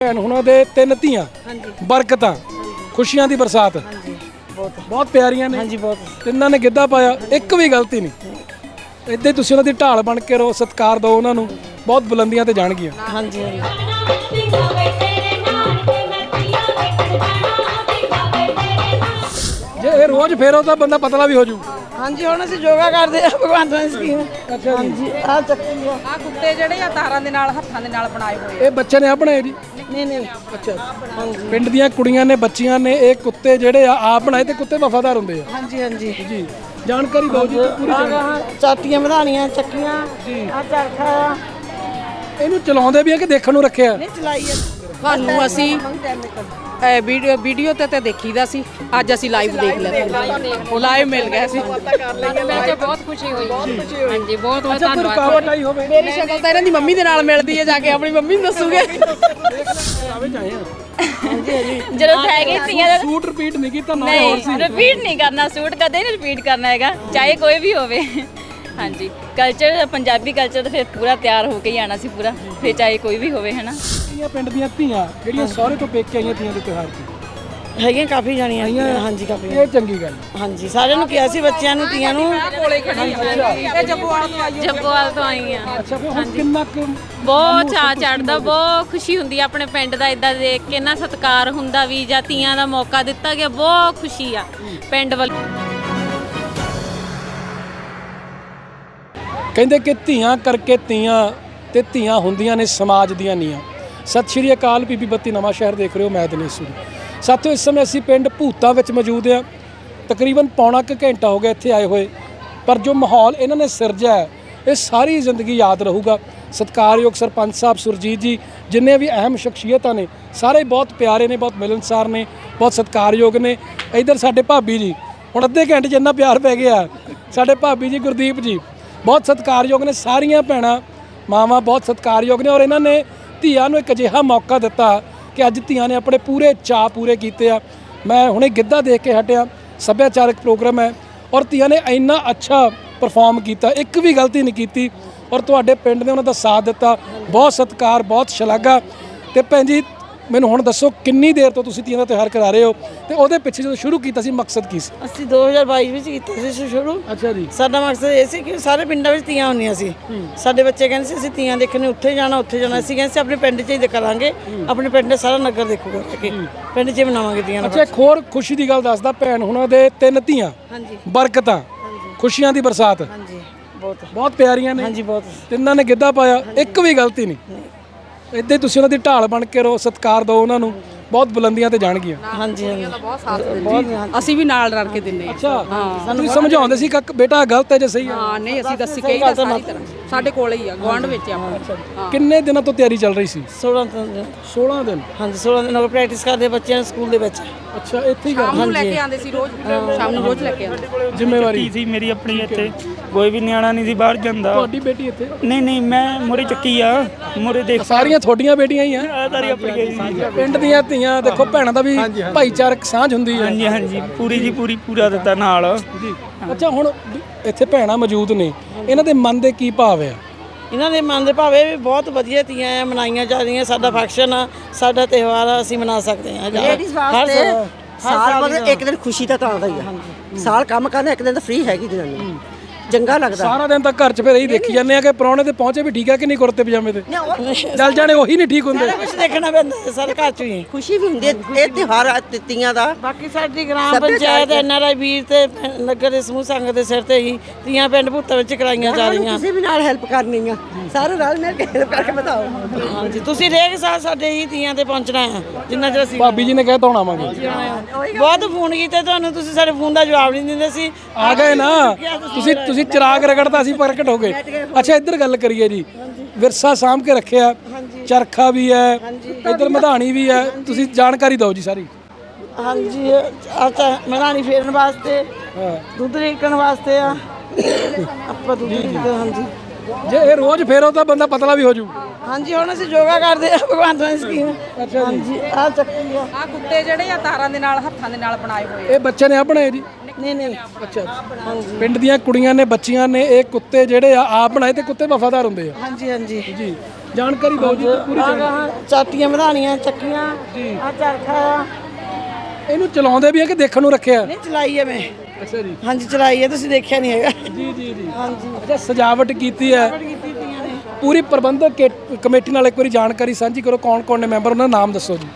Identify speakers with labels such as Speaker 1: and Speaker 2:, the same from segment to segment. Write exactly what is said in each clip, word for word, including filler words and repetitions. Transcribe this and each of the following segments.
Speaker 1: ਭੈਣ ਹੁਣਾਂ ਦੇ ਤਿੰਨ ਧੀਆਂ ਬਰਕਤਾਂ ਖੁਸ਼ੀਆਂ ਦੀ ਬਰਸਾਤ
Speaker 2: ਬਹੁਤ
Speaker 1: ਬਹੁਤ ਪਿਆਰੀਆਂ ਨੇ।
Speaker 2: ਹਾਂਜੀ ਬਹੁਤ
Speaker 1: ਤਿੰਨਾਂ ਨੇ ਗਿੱਧਾ ਪਾਇਆ, ਇੱਕ ਵੀ ਗਲਤੀ ਨਹੀਂ। ਇੱਦਾਂ ਹੀ ਤੁਸੀਂ ਉਹਨਾਂ ਦੀ ਢਾਲ ਬਣ ਕੇ ਰਹੋ, ਸਤਿਕਾਰ ਦਿਓ ਉਹਨਾਂ ਨੂੰ, ਬਹੁਤ ਬੁਲੰਦੀਆਂ ਤੇ ਜਾਣਗੀਆਂ।
Speaker 2: ਹਾਂਜੀ ਹਾਂਜੀ
Speaker 1: ਜੇ ਇਹ ਰੋਜ਼ ਫੇਰੋ ਤਾਂ ਬੰਦਾ ਪਤਲਾ ਵੀ ਹੋ ਜੂ।
Speaker 2: ਹਾਂਜੀ ਹੁਣ ਅਸੀਂ ਯੋਗਾ ਕਰਦੇ ਆ ਭਗਵਾਨ ਦੀ ਸਕੀਮ।
Speaker 1: ਅੱਛਾ
Speaker 2: ਹਾਂਜੀ ਆ ਚੱਕੀ ਆ
Speaker 3: ਆ ਕੁੱਤੇ ਜਿਹੜੇ ਆ ਤਾਰਾਂ ਦੇ ਨਾਲ ਹੱਥਾਂ ਦੇ ਨਾਲ ਬਣਾਏ ਹੋਏ
Speaker 1: ਇਹ ਬੱਚੇ ਨੇ ਆਪਣੇ ਜੀ?
Speaker 2: ਨਹੀਂ ਨਹੀਂ
Speaker 1: ਅੱਛਾ ਹਾਂਜੀ। ਪਿੰਡ ਦੀਆਂ ਕੁੜੀਆਂ ਨੇ, ਬੱਚੀਆਂ ਨੇ ਇਹ ਕੁੱਤੇ ਜਿਹੜੇ ਆ ਆਪ ਬਣਾਏ ਤੇ ਕੁੱਤੇ ਵਫਾਦਾਰ ਹੁੰਦੇ ਆ।
Speaker 2: ਹਾਂਜੀ ਹਾਂਜੀ
Speaker 1: ਜੀ ਜਾਣਕਾਰੀ ਦਿਓ ਜੀ ਪੂਰੀ।
Speaker 2: ਆ ਚਾਟੀਆਂ ਵਧਾਣੀਆਂ ਚੱਕੀਆਂ ਆ ਚਰਖਾ ਆ।
Speaker 1: ਇਹਨੂੰ ਚਲਾਉਂਦੇ ਵੀ ਆ ਕਿ ਦੇਖਣ ਨੂੰ ਰੱਖਿਆ?
Speaker 2: ਨਹੀਂ ਚਲਾਈ ਆ
Speaker 3: ਤੁਹਾਨੂੰ ਅਸੀਂ ਵੀਡੀਓ ਵੀਡੀਓ ਤੇ ਤੇ ਦੇਖੀਦਾ ਸੀ, ਅੱਜ ਅਸੀਂ ਲਾਈਵ ਦੇਖ ਲਿਆ, ਉਹ ਲਾਈਵ ਮਿਲ ਗਿਆ ਸੀ। ਮਿਲ ਕੇ ਬਹੁਤ ਖੁਸ਼ੀ ਹੋਈ। ਹਾਂਜੀ ਬਹੁਤ ਬਹੁਤ
Speaker 1: ਕੋਈ ਰੁਕਾਵਟ ਆਈ ਹੋਵੇ?
Speaker 3: ਮੇਰੀ ਸ਼ਕਲ ਤਾਂ ਇਹਨਾਂ ਦੀ ਮੰਮੀ ਦੇ ਨਾਲ ਮਿਲਦੀ ਹੈ, ਜਾ ਕੇ ਆਪਣੀ ਮੰਮੀ ਨੂੰ ਦੱਸੂਗੇ।
Speaker 4: ਜਦੋਂ ਹੈਗੇ ਤੀਆਂ
Speaker 1: ਸੂਟ ਰਿਪੀਟ ਨਹੀਂ ਕੀਤਾ ਨਾ?
Speaker 4: ਨਹੀਂ ਰਿਪੀਟ ਨਹੀਂ ਕਰਨਾ, ਸੂਟ ਕਦੇ ਨਹੀਂ ਰਿਪੀਟ ਕਰਨਾ ਹੈਗਾ, ਚਾਹੇ ਕੋਈ ਵੀ ਹੋਵੇ। ਹਾਂਜੀ ਕਲਚਰ ਪੰਜਾਬੀ ਕਲਚਰ ਤਾਂ ਫਿਰ ਪੂਰਾ ਤਿਆਰ ਹੋ ਕੇ ਹੀ ਆਣਾ ਸੀ ਪੂਰਾ, ਫਿਰ ਚਾਹੇ ਕੋਈ ਵੀ ਹੋਵੇ ਹੈ ਨਾ।
Speaker 1: ਪਿੰਡ ਦੀਆਂ ਧੀਆਂ ਜਿਹੜੀਆਂ ਸਹੁਰੇ ਤੋਂ ਪੇਕੇ ਆਈਆਂ ਧੀਆਂ ਦੇ ਤਿਉਹਾਰ ਤੇ
Speaker 2: ਹੈਗੀਆਂ ਕਾਫੀ ਜਾਣੀਆਂ ਹਾਂਜੀ ਕਾਫੀ।
Speaker 1: ਇਹ ਚੰਗੀ ਗੱਲ।
Speaker 2: ਹਾਂਜੀ ਸਾਰਿਆਂ ਨੂੰ ਕਿਹਾ ਸੀ ਬੱਚਿਆਂ ਨੂੰ ਧੀਆਂ ਨੂੰ।
Speaker 3: ਇਹ ਜੱਬੋਵਾਲ ਤੋਂ ਆਈ
Speaker 4: ਜੱਬੋਵਾਲ ਤੋਂ ਆਈ ਆ।
Speaker 1: ਅੱਛਾ ਫਿਰ ਹੁਣ ਕਿੰਨਾ ਕੁ
Speaker 4: ਬਹੁਤ ਚਾਅ ਚੜਦਾ, ਬਹੁਤ ਖੁਸ਼ੀ ਹੁੰਦੀ ਆ ਆਪਣੇ ਪਿੰਡ ਦਾ ਇਦਾਂ ਦੇਖ ਕੇ ਨਾ, ਸਤਿਕਾਰ ਹੁੰਦਾ ਵੀ ਜਾਂ ਧੀਆਂ ਦਾ ਮੌਕਾ ਦਿੱਤਾ ਗਿਆ, ਬਹੁਤ ਖੁਸ਼ੀ ਆ ਪਿੰਡ ਵੱਲ।
Speaker 1: ਕਹਿੰਦੇ ਕਿ ਧੀਆਂ ਕਰਕੇ ਧੀਆਂ ਤੇ ਧੀਆਂ ਹੁੰਦੀਆਂ ਨੇ ਸਮਾਜ ਦੀਆਂ ਨੀਆਂ। ਸਤਿ ਸ਼੍ਰੀ ਅਕਾਲ, ਬੀਬੀ ਬੱਤੀ ਨਵਾਂ ਸ਼ਹਿਰ ਦੇਖ ਰਹੇ ਹੋ, ਮੈਂ ਦਿਨੇਸ਼। ਸਾਥੀਓ ਇਸ ਸਮੇਂ ਅਸੀਂ ਪਿੰਡ ਭੂਤਾਂ ਵਿੱਚ ਮੌਜੂਦ ਹਾਂ। ਤਕਰੀਬਨ ਪੌਣਾ ਕੁ ਘੰਟਾ ਹੋ ਗਿਆ ਇੱਥੇ ਆਏ ਹੋਏ, ਪਰ ਜੋ ਮਾਹੌਲ ਇਹਨਾਂ ਨੇ ਸਿਰਜਿਆ ਹੈ ਇਹ ਸਾਰੀ ਜ਼ਿੰਦਗੀ ਯਾਦ ਰਹੂਗਾ। ਸਤਿਕਾਰਯੋਗ ਸਰਪੰਚ ਸਾਹਿਬ ਸੁਰਜੀਤ ਜੀ, ਜਿੰਨੇ ਵੀ ਅਹਿਮ ਸ਼ਖਸੀਅਤਾਂ ਨੇ ਸਾਰੇ ਬਹੁਤ ਪਿਆਰੇ ਨੇ, ਬਹੁਤ ਮਿਲਨਸਾਰ ਨੇ, ਬਹੁਤ ਸਤਿਕਾਰਯੋਗ ਨੇ। ਇੱਧਰ ਸਾਡੇ ਭਾਬੀ ਜੀ, ਹੁਣ ਅੱਧੇ ਘੰਟੇ 'ਚ ਇੰਨਾ ਪਿਆਰ ਪੈ ਗਿਆ। ਸਾਡੇ ਭਾਬੀ ਜੀ ਗੁਰਦੀਪ ਜੀ ਬਹੁਤ ਸਤਿਕਾਰਯੋਗ ਨੇ। ਸਾਰੀਆਂ ਭੈਣਾਂ ਮਾਵਾਂ ਬਹੁਤ ਸਤਿਕਾਰਯੋਗ ਨੇ, ਔਰ ਇਹਨਾਂ ਨੇ ਧੀਆਂ ਨੂੰ ਇੱਕ ਅਜਿਹਾ ਮੌਕਾ ਦਿੱਤਾ ਕਿ ਅੱਜ ਧੀਆਂ ਨੇ ਆਪਣੇ ਪੂਰੇ ਚਾਅ ਪੂਰੇ ਕੀਤੇ ਆ। ਮੈਂ ਹੁਣੇ ਗਿੱਧਾ ਦੇਖ ਕੇ ਹਟਿਆ, ਸੱਭਿਆਚਾਰਕ ਪ੍ਰੋਗਰਾਮ ਹੈ, ਔਰ ਧੀਆਂ ਨੇ ਇੰਨਾ ਅੱਛਾ ਪਰਫਾਰਮ ਕੀਤਾ, ਇੱਕ ਵੀ ਗਲਤੀ ਨਹੀਂ ਕੀਤੀ, ਔਰ ਤੁਹਾਡੇ ਪਿੰਡ ਨੇ ਉਹਨਾਂ ਦਾ ਸਾਥ ਦਿੱਤਾ। ਬਹੁਤ ਸਤਿਕਾਰ, ਬਹੁਤ ਸ਼ਲਾਘਾ। ਤੇ ਭੈਣ ਜੀ ਮੈਨੂੰ ਹੁਣ ਦੱਸੋ, ਕਿੰਨੀ ਦੇਰ ਤੋਂ ਤੁਸੀਂ ਧੀਆਂ ਦਾ ਤਿਉਹਾਰ ਕਰਾ ਰਹੇ ਹੋ, ਤੇ ਉਹਦੇ ਪਿੱਛੇ ਜਦੋਂ ਸ਼ੁਰੂ ਕੀਤਾ ਸੀ ਮਕਸਦ ਕੀ ਸੀ?
Speaker 2: ਅਸੀਂ ਦੋ ਹਜ਼ਾਰ ਬਾਈ ਵਿੱਚ ਕੀਤਾ ਸੀ ਸ਼ੁਰੂ।
Speaker 1: ਅੱਛਾ ਜੀ।
Speaker 2: ਸਾਡਾ ਮਕਸਦ ਇਹ ਸੀ ਕਿ ਸਾਰੇ ਪਿੰਡਾਂ ਵਿੱਚ ਧੀਆਂ ਹੁੰਦੀਆਂ ਸੀ। ਸਾਡੇ ਬੱਚੇ ਕਹਿੰਦੇ ਸੀ ਅਸੀਂ ਧੀਆਂ ਦੇਖਣ ਉੱਥੇ ਜਾਣਾ ਉੱਥੇ ਜਾਣਾ। ਅਸੀਂ ਕਹਿੰਦੇ ਸੀ ਆਪਣੇ ਪਿੰਡ 'ਚ ਹੀ ਕਰਾਂਗੇ, ਆਪਣੇ ਪਿੰਡ ਦੇ ਸਾਰਾ ਨਗਰ ਦੇਖੂਗਾ ਕਿ ਪਿੰਡ 'ਚ ਮਨਾਵਾਂਗੇ ਧੀਆਂ।
Speaker 1: ਅੱਛਾ ਇੱਕ ਹੋਰ ਖੁਸ਼ੀ ਦੀ ਗੱਲ ਦੱਸਦਾ, ਭੈਣ ਹੁਣਾਂ ਦੇ ਤਿੰਨ ਧੀਆਂ
Speaker 2: ਹਾਂਜੀ
Speaker 1: ਬਰਕਤਾਂ ਖੁਸ਼ੀਆਂ ਦੀ ਬਰਸਾਤ
Speaker 2: ਹਾਂਜੀ ਬਹੁਤ
Speaker 1: ਬਹੁਤ ਪਿਆਰੀਆਂ ਨੇ।
Speaker 2: ਹਾਂਜੀ ਬਹੁਤ
Speaker 1: ਤਿੰਨਾਂ ਨੇ ਗਿੱਧਾ ਪਾਇਆ, ਇੱਕ ਵੀ ਗਲਤੀ ਨਹੀਂ। ਇੱਦਾਂ ਹੀ ਤੁਸੀਂ ਉਹਨਾਂ ਦੀ ਢਾਲ ਬਣ ਕੇ ਰਹੋ, ਸਤਿਕਾਰ ਦਿਓ ਉਹਨਾਂ ਨੂੰ, ਬਹੁਤ ਬੁਲੰਦੀਆਂ ਤੇ ਜਾਣਗੀਆਂ।
Speaker 2: ਹਾਂਜੀ ਹਾਂਜੀ
Speaker 3: ਬਹੁਤ ਸਾਥ ਦਿੰਦੇ, ਅਸੀਂ ਵੀ ਨਾਲ ਰਲ ਕੇ ਦਿੰਨੇ ਆ।
Speaker 1: ਅੱਛਾ ਤੁਸੀਂ ਸਮਝਾਉਂਦੇ ਸੀ ਕਿ ਬੇਟਾ ਗਲਤ ਹੈ ਜਾਂ ਸਹੀ ਹੈ?
Speaker 3: ਹਾਂ ਨਹੀਂ ਅਸੀਂ ਦੱਸ ਕੇ ਹੀ ਸਾਰੀ ਤਰ੍ਹਾਂ ਸਾਡੇ ਕੋਲੇ ਹੀ ਆ, ਗੁਆਂਢ ਵਿੱਚ ਆ ਆਪਣਾ।
Speaker 1: ਕਿੰਨੇ ਦਿਨਾਂ ਤੋਂ ਤਿਆਰੀ ਚੱਲ ਰਹੀ ਸੀ?
Speaker 2: ਸੋਲਾਂ ਦਿਨ
Speaker 1: ਸੋਲਾਂ ਦਿਨ।
Speaker 2: ਹਾਂਜੀ ਸੋਲਾਂ ਦਿਨ ਹੋ ਗਏ ਪ੍ਰੈਕਟਿਸ ਕਰਦੇ ਬੱਚਿਆਂ ਨੂੰ ਸਕੂਲ ਦੇ ਵਿੱਚ।
Speaker 1: ਅੱਛਾ ਇੱਥੇ ਹੀ ਕਰ
Speaker 3: ਸ਼ਾਮ ਨੂੰ ਲੈ ਕੇ ਆਉਂਦੇ ਸੀ, ਰੋਜ਼ ਸ਼ਾਮ ਨੂੰ ਰੋਜ਼ ਲੈ ਕੇ ਆਉਂਦੇ।
Speaker 1: ਜ਼ਿੰਮੇਵਾਰੀ
Speaker 5: ਸੀ ਮੇਰੀ ਆਪਣੀ, ਇੱਥੇ ਕੋਈ ਵੀ ਨਿਆਣਾ ਨਹੀਂ ਸੀ ਬਾਹਰ ਜਾਂਦਾ।
Speaker 1: ਤੁਹਾਡੀ ਬੇਟੀ ਇੱਥੇ?
Speaker 5: ਨਹੀਂ ਨਹੀਂ ਮੈਂ ਮੁਰੇ ਚੱਕੀ ਆ, ਮੁਰੇ ਦੇਖ
Speaker 1: ਸਾਰੀਆਂ ਤੁਹਾਡੀਆਂ ਬੇਟੀਆਂ ਹੀ ਆ?
Speaker 5: ਸਾਰੀ ਆਪਣੀ ਗਈ ਸੀ।
Speaker 1: ਪਿੰਡ ਦੀਆਂ ਧੀਆਂ ਦੇਖੋ, ਭੈਣਾਂ ਦਾ ਵੀ ਭਾਈਚਾਰਕ ਸਾਂਝ ਹੁੰਦੀ ਹੈ।
Speaker 5: ਹਾਂਜੀ ਹਾਂਜੀ ਪੂਰੀ ਜੀ ਪੂਰੀ ਪੂਰਾ ਦਿੱਤਾ ਨਾਲ
Speaker 1: ਜੀ। ਅੱਛਾ ਹੁਣ ਇੱਥੇ ਭੈਣਾਂ ਮੌਜੂਦ ਨੇ, ਇਹਨਾਂ ਦੇ ਮਨ ਦੇ ਕੀ ਭਾਵ ਆ?
Speaker 2: ਇਹਨਾਂ ਦੇ ਮਨ ਦੇ ਭਾਵੇਂ ਵੀ ਬਹੁਤ ਵਧੀਆ ਧੀਆਂ ਆ, ਮਨਾਈਆਂ ਜਾ ਰਹੀਆਂ। ਸਾਡਾ ਫੰਕਸ਼ਨ ਆ, ਸਾਡਾ ਤਿਉਹਾਰ ਆ, ਅਸੀਂ ਮਨਾ ਸਕਦੇ ਹਾਂ।
Speaker 6: ਲੇਡੀਜ਼ ਵਾਸਤੇ ਸਾਲ ਬਾਅਦ ਇੱਕ ਦਿਨ ਖੁਸ਼ੀ ਦਾ ਤਾਂ ਆਉਂਦਾ ਹੀ ਆ। ਸਾਲ ਕੰਮ ਕਰਨਾ, ਇੱਕ ਦਿਨ ਤਾਂ ਫ੍ਰੀ ਹੈਗੀ ਜਨਾਨੀ, ਚੰਗਾ ਲੱਗਦਾ।
Speaker 1: ਸਾਰਾ ਦਿਨ ਤਾਂ ਘਰ 'ਚ ਫਿਰ ਇਹੀ ਦੇਖੀ ਜਾਂਦੇ ਆ ਕਿ ਪ੍ਰਾਹੁਣੇ ਤੇ ਪਹੁੰਚੇ ਵੀ ਠੀਕ ਆ ਕਿ ਨਹੀਂ, ਕੁੜਤੇ ਪਜਾਮੇ ਤੇ ਚੱਲ ਜਾਣੇ ਉਹੀ ਨਹੀਂ ਠੀਕ ਹੁੰਦੇ।
Speaker 2: ਕੁਝ ਦੇਖਣਾ ਪੈਂਦਾ ਹੈ, ਸਾਰੇ ਘਰ 'ਚ ਹੀ
Speaker 6: ਖੁਸ਼ੀ ਵੀ ਹੁੰਦੀ ਹੈ ਇਹ ਤਿਉਹਾਰ ਆ ਤੀਆਂ ਦਾ।
Speaker 2: ਬਾਕੀ ਸਾਡੀ gram panchayat N R I ਵੀਰ ਤੇ ਨਗਰ ਦੇ ਸਮੂਹ ਸੰਘ ਦੇ ਸਿਰ ਤੇ ਹੀ ਧੀਆਂ ਪਿੰਡ ਭੂਤਾਂ ਵਿੱਚ ਕਰਾਈਆਂ ਜਾ ਰਹੀਆਂ।
Speaker 6: ਕਿਸੇ ਵੀ ਨਾਲ ਹੈਲਪ ਕਰਨੀ ਆ, ਸਾਰੇ ਰਲ ਮਿਲ ਕੇ ਹੈਲਪ ਕਰਕੇ ਬਤਾਓ।
Speaker 2: ਹਾਂਜੀ ਤੁਸੀਂ ਹਰੇਕ ਸਾਲ ਸਾਡੇ ਹੀ ਧੀਆਂ ਤੇ ਪਹੁੰਚਣਾ ਹੈ, ਜਿੰਨਾ ਚਿਰ ਅਸੀਂ
Speaker 1: ਭਾਬੀ ਜੀ ਨੇ ਕਹਿ ਤਾਂ ਆਵਾਂਗੇ।
Speaker 2: ਬਹੁਤ ਫੋਨ ਕੀਤੇ ਤੁਹਾਨੂੰ, ਤੁਸੀਂ ਸਾਡੇ ਫੋਨ ਦਾ ਜਵਾਬ ਨਹੀਂ ਦਿੰਦੇ ਸੀ।
Speaker 1: ਆ ਗਏ ਨਾ ਤੁਸੀਂ, ਤੁਸੀਂ ਚਿਰਾਗ ਰਗੜਦਾ ਸੀ, ਪ੍ਰਗਟ ਹੋ ਗਏ। ਅੱਛਾ ਇੱਧਰ ਗੱਲ ਕਰੀਏ ਜੀ, ਵਿਰਸਾ ਸਾਂਭ ਕੇ ਰੱਖਿਆ, ਚਰਖਾ ਵੀ ਹੈ, ਇੱਧਰ ਮਧਾਣੀ ਵੀ ਹੈ, ਤੁਸੀਂ ਜਾਣਕਾਰੀ ਦਿਓ ਜੀ ਸਾਰੀ।
Speaker 2: ਹਾਂਜੀ ਅੱਛਾ ਮਧਾਣੀ ਫੇਰਨ ਵਾਸਤੇ, ਦੁੱਧ ਰੇਕਣ ਵਾਸਤੇ ਆ ਆਪਾਂ ਦੁੱਧ ਰੇਕਦੇ। ਹਾਂਜੀ
Speaker 1: ਜੇ ਇਹ ਰੋਜ਼ ਫੇਰੋ ਤਾਂ ਬੰਦਾ ਪਤਲਾ ਵੀ ਹੋ ਜੂ।
Speaker 2: ਹਾਂਜੀ ਹੁਣ ਅਸੀਂ ਯੋਗਾ ਕਰਦੇ ਆ ਭਗਵਾਨ ਦੀ ਸਕੀਮ।
Speaker 1: ਅੱਛਾ
Speaker 2: ਹਾਂਜੀ ਆ ਚੱਕੀ ਆ
Speaker 3: ਆ ਕੁੱਤੇ ਜਿਹੜੇ ਆ ਤਾਰਾਂ ਦੇ ਨਾਲ ਹੱਥਾਂ ਦੇ ਨਾਲ ਬਣਾਏ ਹੋਏ।
Speaker 1: ਇਹ ਬੱਚੇ ਨੇ ਆਪਣੇ ਜੀ?
Speaker 2: ਨਹੀਂ ਨਹੀਂ
Speaker 1: ਅੱਛਾ ਹਾਂਜੀ। ਪਿੰਡ ਦੀਆਂ ਕੁੜੀਆਂ ਨੇ, ਬੱਚੀਆਂ ਨੇ ਇਹ ਕੁੱਤੇ ਜਿਹੜੇ ਆ ਆਪ ਬਣਾਏ ਤੇ ਕੁੱਤੇ ਵਫਾਦਾਰ ਹੁੰਦੇ ਆ।
Speaker 2: ਹਾਂਜੀ ਹਾਂਜੀ
Speaker 1: ਜੀ ਜਾਣਕਾਰੀ ਦਿਓ ਜੀ ਪੂਰੀ ਜਾਣਕਾਰੀ।
Speaker 2: ਚਾਟੀਆਂ ਵਧਾਣੀਆਂ ਚੱਕੀਆਂ ਆ ਚਰਖਾ ਆ
Speaker 1: ਇਹਨੂੰ ਚਲਾਉਂਦੇ ਵੀ ਆ ਕਿ ਦੇਖਣ ਨੂੰ ਰੱਖਿਆ?
Speaker 2: ਨਹੀਂ ਚਲਾਈ ਹੈ ਮੈਂ।
Speaker 1: ਅੱਛਾ ਜੀ
Speaker 2: ਹਾਂਜੀ ਚਲਾਈ ਹੈ, ਤੁਸੀਂ ਦੇਖਿਆ ਨਹੀਂ ਹੈਗਾ।
Speaker 1: ਜੀ ਜੀ ਜੀ
Speaker 2: ਹਾਂਜੀ
Speaker 1: ਅੱਛਾ ਸਜਾਵਟ ਕੀਤੀ ਹੈ
Speaker 2: ਕੀਤੀ ਤੀਆਂ ਨੇ।
Speaker 1: ਪੂਰੀ ਪ੍ਰਬੰਧਕ ਕੇ- ਕਮੇਟੀ ਨਾਲ ਇੱਕ ਵਾਰੀ ਜਾਣਕਾਰੀ ਸਾਂਝੀ ਕਰੋ, ਕੌਣ ਕੌਣ ਨੇ ਮੈਂਬਰ, ਉਹਨਾਂ ਦਾ ਨਾਮ ਦੱਸੋ ਜੀ।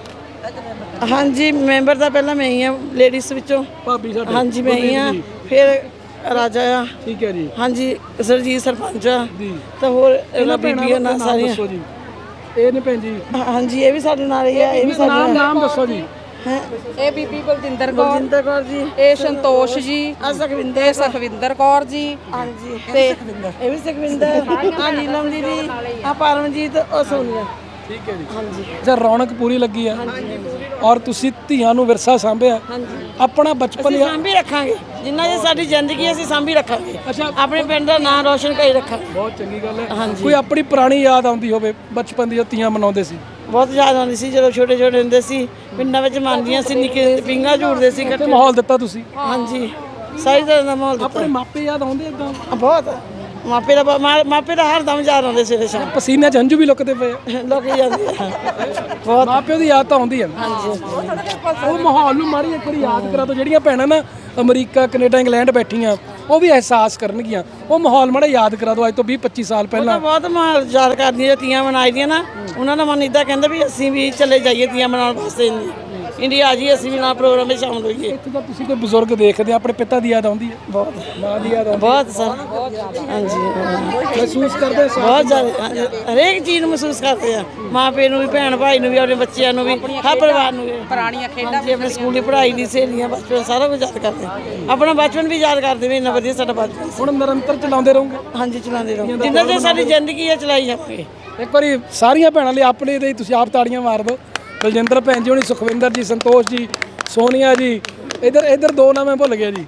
Speaker 2: ਹਾਂਜੀ ਮੈਂਬਰ ਤਾਂ ਪਹਿਲਾਂ ਮੈਂ ਹੀ ਆ ਲੇਡੀਜ਼ ਵਿੱਚੋਂ।
Speaker 1: ਭਾਬੀ ਸਾਡੇ
Speaker 2: ਹਾਂਜੀ ਮੈਂ ਹੀ ਆ, ਫਿਰ ਰਾਜਾ ਆ,
Speaker 1: ਠੀਕ ਹੈ ਜੀ
Speaker 2: ਹਾਂਜੀ ਸਰਜੀਤ ਸਰਪੰਚ ਆ,
Speaker 1: ਜੀ
Speaker 2: ਤੇ ਹੋਰ ਇਹਨਾਂ
Speaker 1: ਇਹਨਾਂ
Speaker 2: ਬੀਬੀਆਂ ਨਾਲ
Speaker 1: ਨਾਮ
Speaker 2: ਸਾਰੀਆਂ।
Speaker 1: ਦੱਸੋ ਜੀ। ਇਹ ਨੇ ਭੈਣ ਜੀ,
Speaker 2: ਹਾਂਜੀ ਇਹ ਵੀ ਸਾਡੇ ਨਾਲ ਹੀ ਆ, ਇਹ ਵੀ ਸਾਡੇ
Speaker 1: ਨਾਮ
Speaker 2: ਨਾਲ
Speaker 1: ਨਾਮ ਦੱਸੋ ਜੀ।
Speaker 2: ਹੈ।
Speaker 3: ਇਹ ਬੀਬੀ ਬਲਜਿੰਦਰ ਕੌਰ,
Speaker 2: ਬਲਜਿੰਦਰ ਕੌਰ ਜੀ,
Speaker 3: ਇਹ ਸੰਤੋਸ਼ ਜੀ,
Speaker 2: ਆ ਸੁਖਵਿੰਦਰ,
Speaker 3: ਇਹ ਸੁਖਵਿੰਦਰ ਕੌਰ ਜੀ,
Speaker 2: ਹਾਂਜੀ ਤੇ ਇਹ ਵੀ ਸੁਖਵਿੰਦਰ, ਆ ਨੀਲਮ ਦੀਦੀ, ਆ ਪਰਮਜੀਤ, ਉਹ ਸੋਨੀਆ।
Speaker 1: ਠੀਕ ਹੈ ਜੀ ਹਾਂਜੀ ਅੱਛਾ ਰੌਣਕ ਪੂਰੀ ਲੱਗੀ ਆ ਔਰ ਤੁਸੀਂ ਧੀਆਂ ਨੂੰ ਵਿਰਸਾ ਸਾਂਭਿਆ ਆਪਣਾ ਬਚਪਨ
Speaker 2: ਅਸੀਂ ਸਾਂਭੀ ਰੱਖਾਂਗੇ, ਜਿੰਨਾ ਜੇ ਸਾਡੀ ਜ਼ਿੰਦਗੀ ਅਸੀਂ ਸਾਂਭੀ ਰੱਖਾਂਗੇ।
Speaker 1: ਅੱਛਾ
Speaker 2: ਆਪਣੇ ਪਿੰਡ ਦਾ ਨਾਂ ਰੋਸ਼ਨ ਕਰੀ ਰੱਖਾਂਗੇ।
Speaker 1: ਬਹੁਤ ਚੰਗੀ ਗੱਲ ਹੈ ਕੋਈ ਆਪਣੀ ਪੁਰਾਣੀ ਯਾਦ ਆਉਂਦੀ ਹੋਵੇ ਬਚਪਨ ਦੀ ਜੋ ਧੀਆਂ ਮਨਾਉਂਦੇ ਸੀ?
Speaker 2: ਬਹੁਤ ਯਾਦ ਆਉਂਦੀ ਸੀ ਜਦੋਂ ਛੋਟੇ ਛੋਟੇ ਹੁੰਦੇ ਸੀ, ਪਿੰਡਾਂ ਵਿੱਚ ਮੰਨਦੀਆਂ ਸੀ, ਨਿੱਕੇ ਪਿੰਗਾ ਝੂੜਦੇ ਸੀ
Speaker 1: ਤੇ
Speaker 2: ਇਕੱਠੇ।
Speaker 1: ਮਾਹੌਲ ਦਿੱਤਾ ਤੁਸੀਂ?
Speaker 2: ਹਾਂਜੀ ਸਾਰੀ ਤਰ੍ਹਾਂ ਦਾ ਮਾਹੌਲ ਦਿੱਤਾ।
Speaker 1: ਆਪਣੇ ਮਾਪੇ ਯਾਦ ਆਉਂਦੇ ਇਦਾਂ?
Speaker 2: ਬਹੁਤ ਮਾਪੇ ਦਾ ਬ- ਮਾ- ਮਾਪੇ ਦਾ ਹਰ ਦਮ ਯਾਦ ਆਉਂਦੇ ਸਵੇਰੇ ਸ਼ਾਮ।
Speaker 1: ਪਸੀਨੇ 'ਚ ਹੰਝੂ ਵੀ ਲੁਕਦੇ ਪਏ ਆ।
Speaker 2: ਲੋਕ ਜਾਂਦੇ ਆ। ਬਹੁਤ
Speaker 1: ਮਾਪਿਓ ਦੀ ਯਾਦ ਤਾਂ ਆਉਂਦੀ ਹੈ
Speaker 2: ਹਾਂਜੀ
Speaker 1: ਉਹ ਮਾਹੌਲ ਨੂੰ ਮਾੜੀ ਇੱਕ ਵਾਰੀ ਯਾਦ ਕਰਾ ਦਿਓ। ਜਿਹੜੀਆਂ ਭੈਣਾਂ ਨਾ ਅਮਰੀਕਾ ਕੈਨੇਡਾ ਇੰਗਲੈਂਡ ਬੈਠੀਆਂ ਉਹ ਵੀ ਅਹਿਸਾਸ ਕਰਨਗੀਆਂ। ਉਹ ਮਾਹੌਲ ਮਾੜਾ ਯਾਦ ਕਰਾ ਦਿਓ ਅੱਜ ਤੋਂ ਵੀਹ ਪੱਚੀ ਸਾਲ ਪਹਿਲਾਂ।
Speaker 2: ਬਹੁਤ ਮਾਹੌਲ ਯਾਦ ਕਰਦੀਆਂ ਤੀਆਂ ਮਨਾਈ ਦੀਆਂ ਨਾ, ਉਹਨਾਂ ਦਾ ਮਨ ਇਦਾਂ ਕਹਿੰਦਾ ਵੀ ਅਸੀਂ ਵੀ ਚਲੇ ਜਾਈਏ ਤੀਆਂ ਮਨਾਉਣ ਵਾਸਤੇ ਇੰਡੀਆ ਆ ਜੀ, ਅਸੀਂ ਵੀ ਨਾਲ ਪ੍ਰੋਗਰਾਮ ਵਿੱਚ ਸ਼ਾਮਲ ਹੋਈਏ।
Speaker 1: ਇੱਥੇ ਤਾਂ ਤੁਸੀਂ ਕੋਈ ਬਜ਼ੁਰਗ ਦੇਖਦੇ ਆ, ਆਪਣੇ ਪਿਤਾ ਦੀ ਯਾਦ ਆਉਂਦੀ ਹੈ?
Speaker 2: ਬਹੁਤ
Speaker 1: ਮਾਂ ਦੀ ਯਾਦ ਆਉਂਦੀ
Speaker 2: ਬਹੁਤ ਸਰ ਹਾਂਜੀ
Speaker 1: ਹੈ? ਮਹਿਸੂਸ ਕਰਦੇ ਸਾਂ
Speaker 2: ਬਹੁਤ ਜ਼ਿਆਦਾ ਹਰੇਕ ਚੀਜ਼ ਨੂੰ ਮਹਿਸੂਸ ਕਰਦੇ ਆ, ਮਾਂ ਪਿਓ ਨੂੰ ਵੀ, ਭੈਣ ਭਾਈ ਨੂੰ ਵੀ, ਆਪਣੇ ਬੱਚਿਆਂ ਨੂੰ ਵੀ, ਹਰ ਪਰਿਵਾਰ ਨੂੰ ਵੀ।
Speaker 3: ਪੁਰਾਣੀਆਂ ਖੇਡਾਂ
Speaker 2: ਹਾਂਜੀ ਆਪਣੇ ਸਕੂਲ ਦੀ ਪੜ੍ਹਾਈ ਦੀ ਸਹੇਲੀਆਂ, ਬਚਪਨ ਸਾਰਾ ਕੁਝ ਯਾਦ ਕਰਦੇ ਆ। ਆਪਣਾ ਬਚਪਨ ਵੀ ਯਾਦ ਕਰਦੇ ਵੀ ਇੰਨਾ ਵਧੀਆ ਸਾਡਾ ਬਚਪਨ ਸੀ।
Speaker 1: ਹੁਣ ਨਿਰੰਤਰ ਚਲਾਉਂਦੇ ਰਹੋਗੇ?
Speaker 2: ਹਾਂਜੀ ਚਲਾਉਂਦੇ ਰਹੋ, ਜਿੰਨਾ ਚਿਰ ਸਾਡੀ ਜ਼ਿੰਦਗੀ ਹੈ ਚਲਾਈ ਜਾਵਾਂਗੇ।
Speaker 1: ਇੱਕ ਵਾਰੀ ਸਾਰੀਆਂ ਭੈਣਾਂ ਲਈ ਆਪਣੇ ਲਈ ਤੁਸੀਂ ਆਪ ਤਾੜੀਆਂ ਮਾਰ ਦਿਓ। ਬਲਜਿੰਦਰ ਭੈਣ ਜੀ ਹੋਣੀ, ਸੁਖਵਿੰਦਰ ਜੀ, ਸੰਤੋਸ਼ ਜੀ, ਸੋਨੀਆ ਜੀ, ਇਧਰ ਇਧਰ ਦੋ ਨਾਮ ਮੈਂ ਭੁੱਲ ਗਿਆ ਜੀ।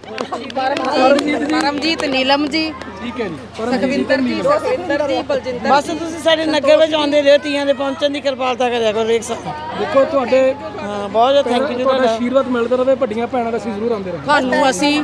Speaker 3: ਪਰਮਜੀਤ, ਨੀਲਮ ਜੀ,
Speaker 1: ਠੀਕ ਹੈ ਜੀ
Speaker 3: ਸੁਖਵਿੰਦਰ ਜੀ, ਸੁਖਵਿੰਦਰ ਜੀ, ਬਲਜਿੰਦਰ।
Speaker 2: ਬਸ ਤੁਸੀਂ ਸਾਡੇ ਨਗਰ ਵਿੱਚ ਆਉਂਦੇ ਰਹੋ, ਤੀਆਂ ਦੇ ਪਹੁੰਚਣ ਦੀ ਕਿਰਪਾਲਤਾ ਕਰਿਆ ਕਰੋ ਹਰੇਕ ਸਾਲ।
Speaker 1: ਦੇਖੋ ਤੁਹਾਡੇ
Speaker 2: ਹਾਂ ਬਹੁਤ ਬਹੁਤ ਥੈਂਕ ਯੂ ਜੀ
Speaker 1: ਤੁਹਾਡਾ
Speaker 2: ਤੁਹਾਡਾ।
Speaker 1: ਆਸ਼ੀਰਵਾਦ ਮਿਲਦਾ ਰਹੇ, ਵੱਡੀਆਂ ਭੈਣਾਂ ਦਾ ਅਸੀਂ ਜ਼ਰੂਰ ਆਉਂਦੇ ਰਹੇ।
Speaker 3: ਤੁਹਾਨੂੰ ਅਸੀਂ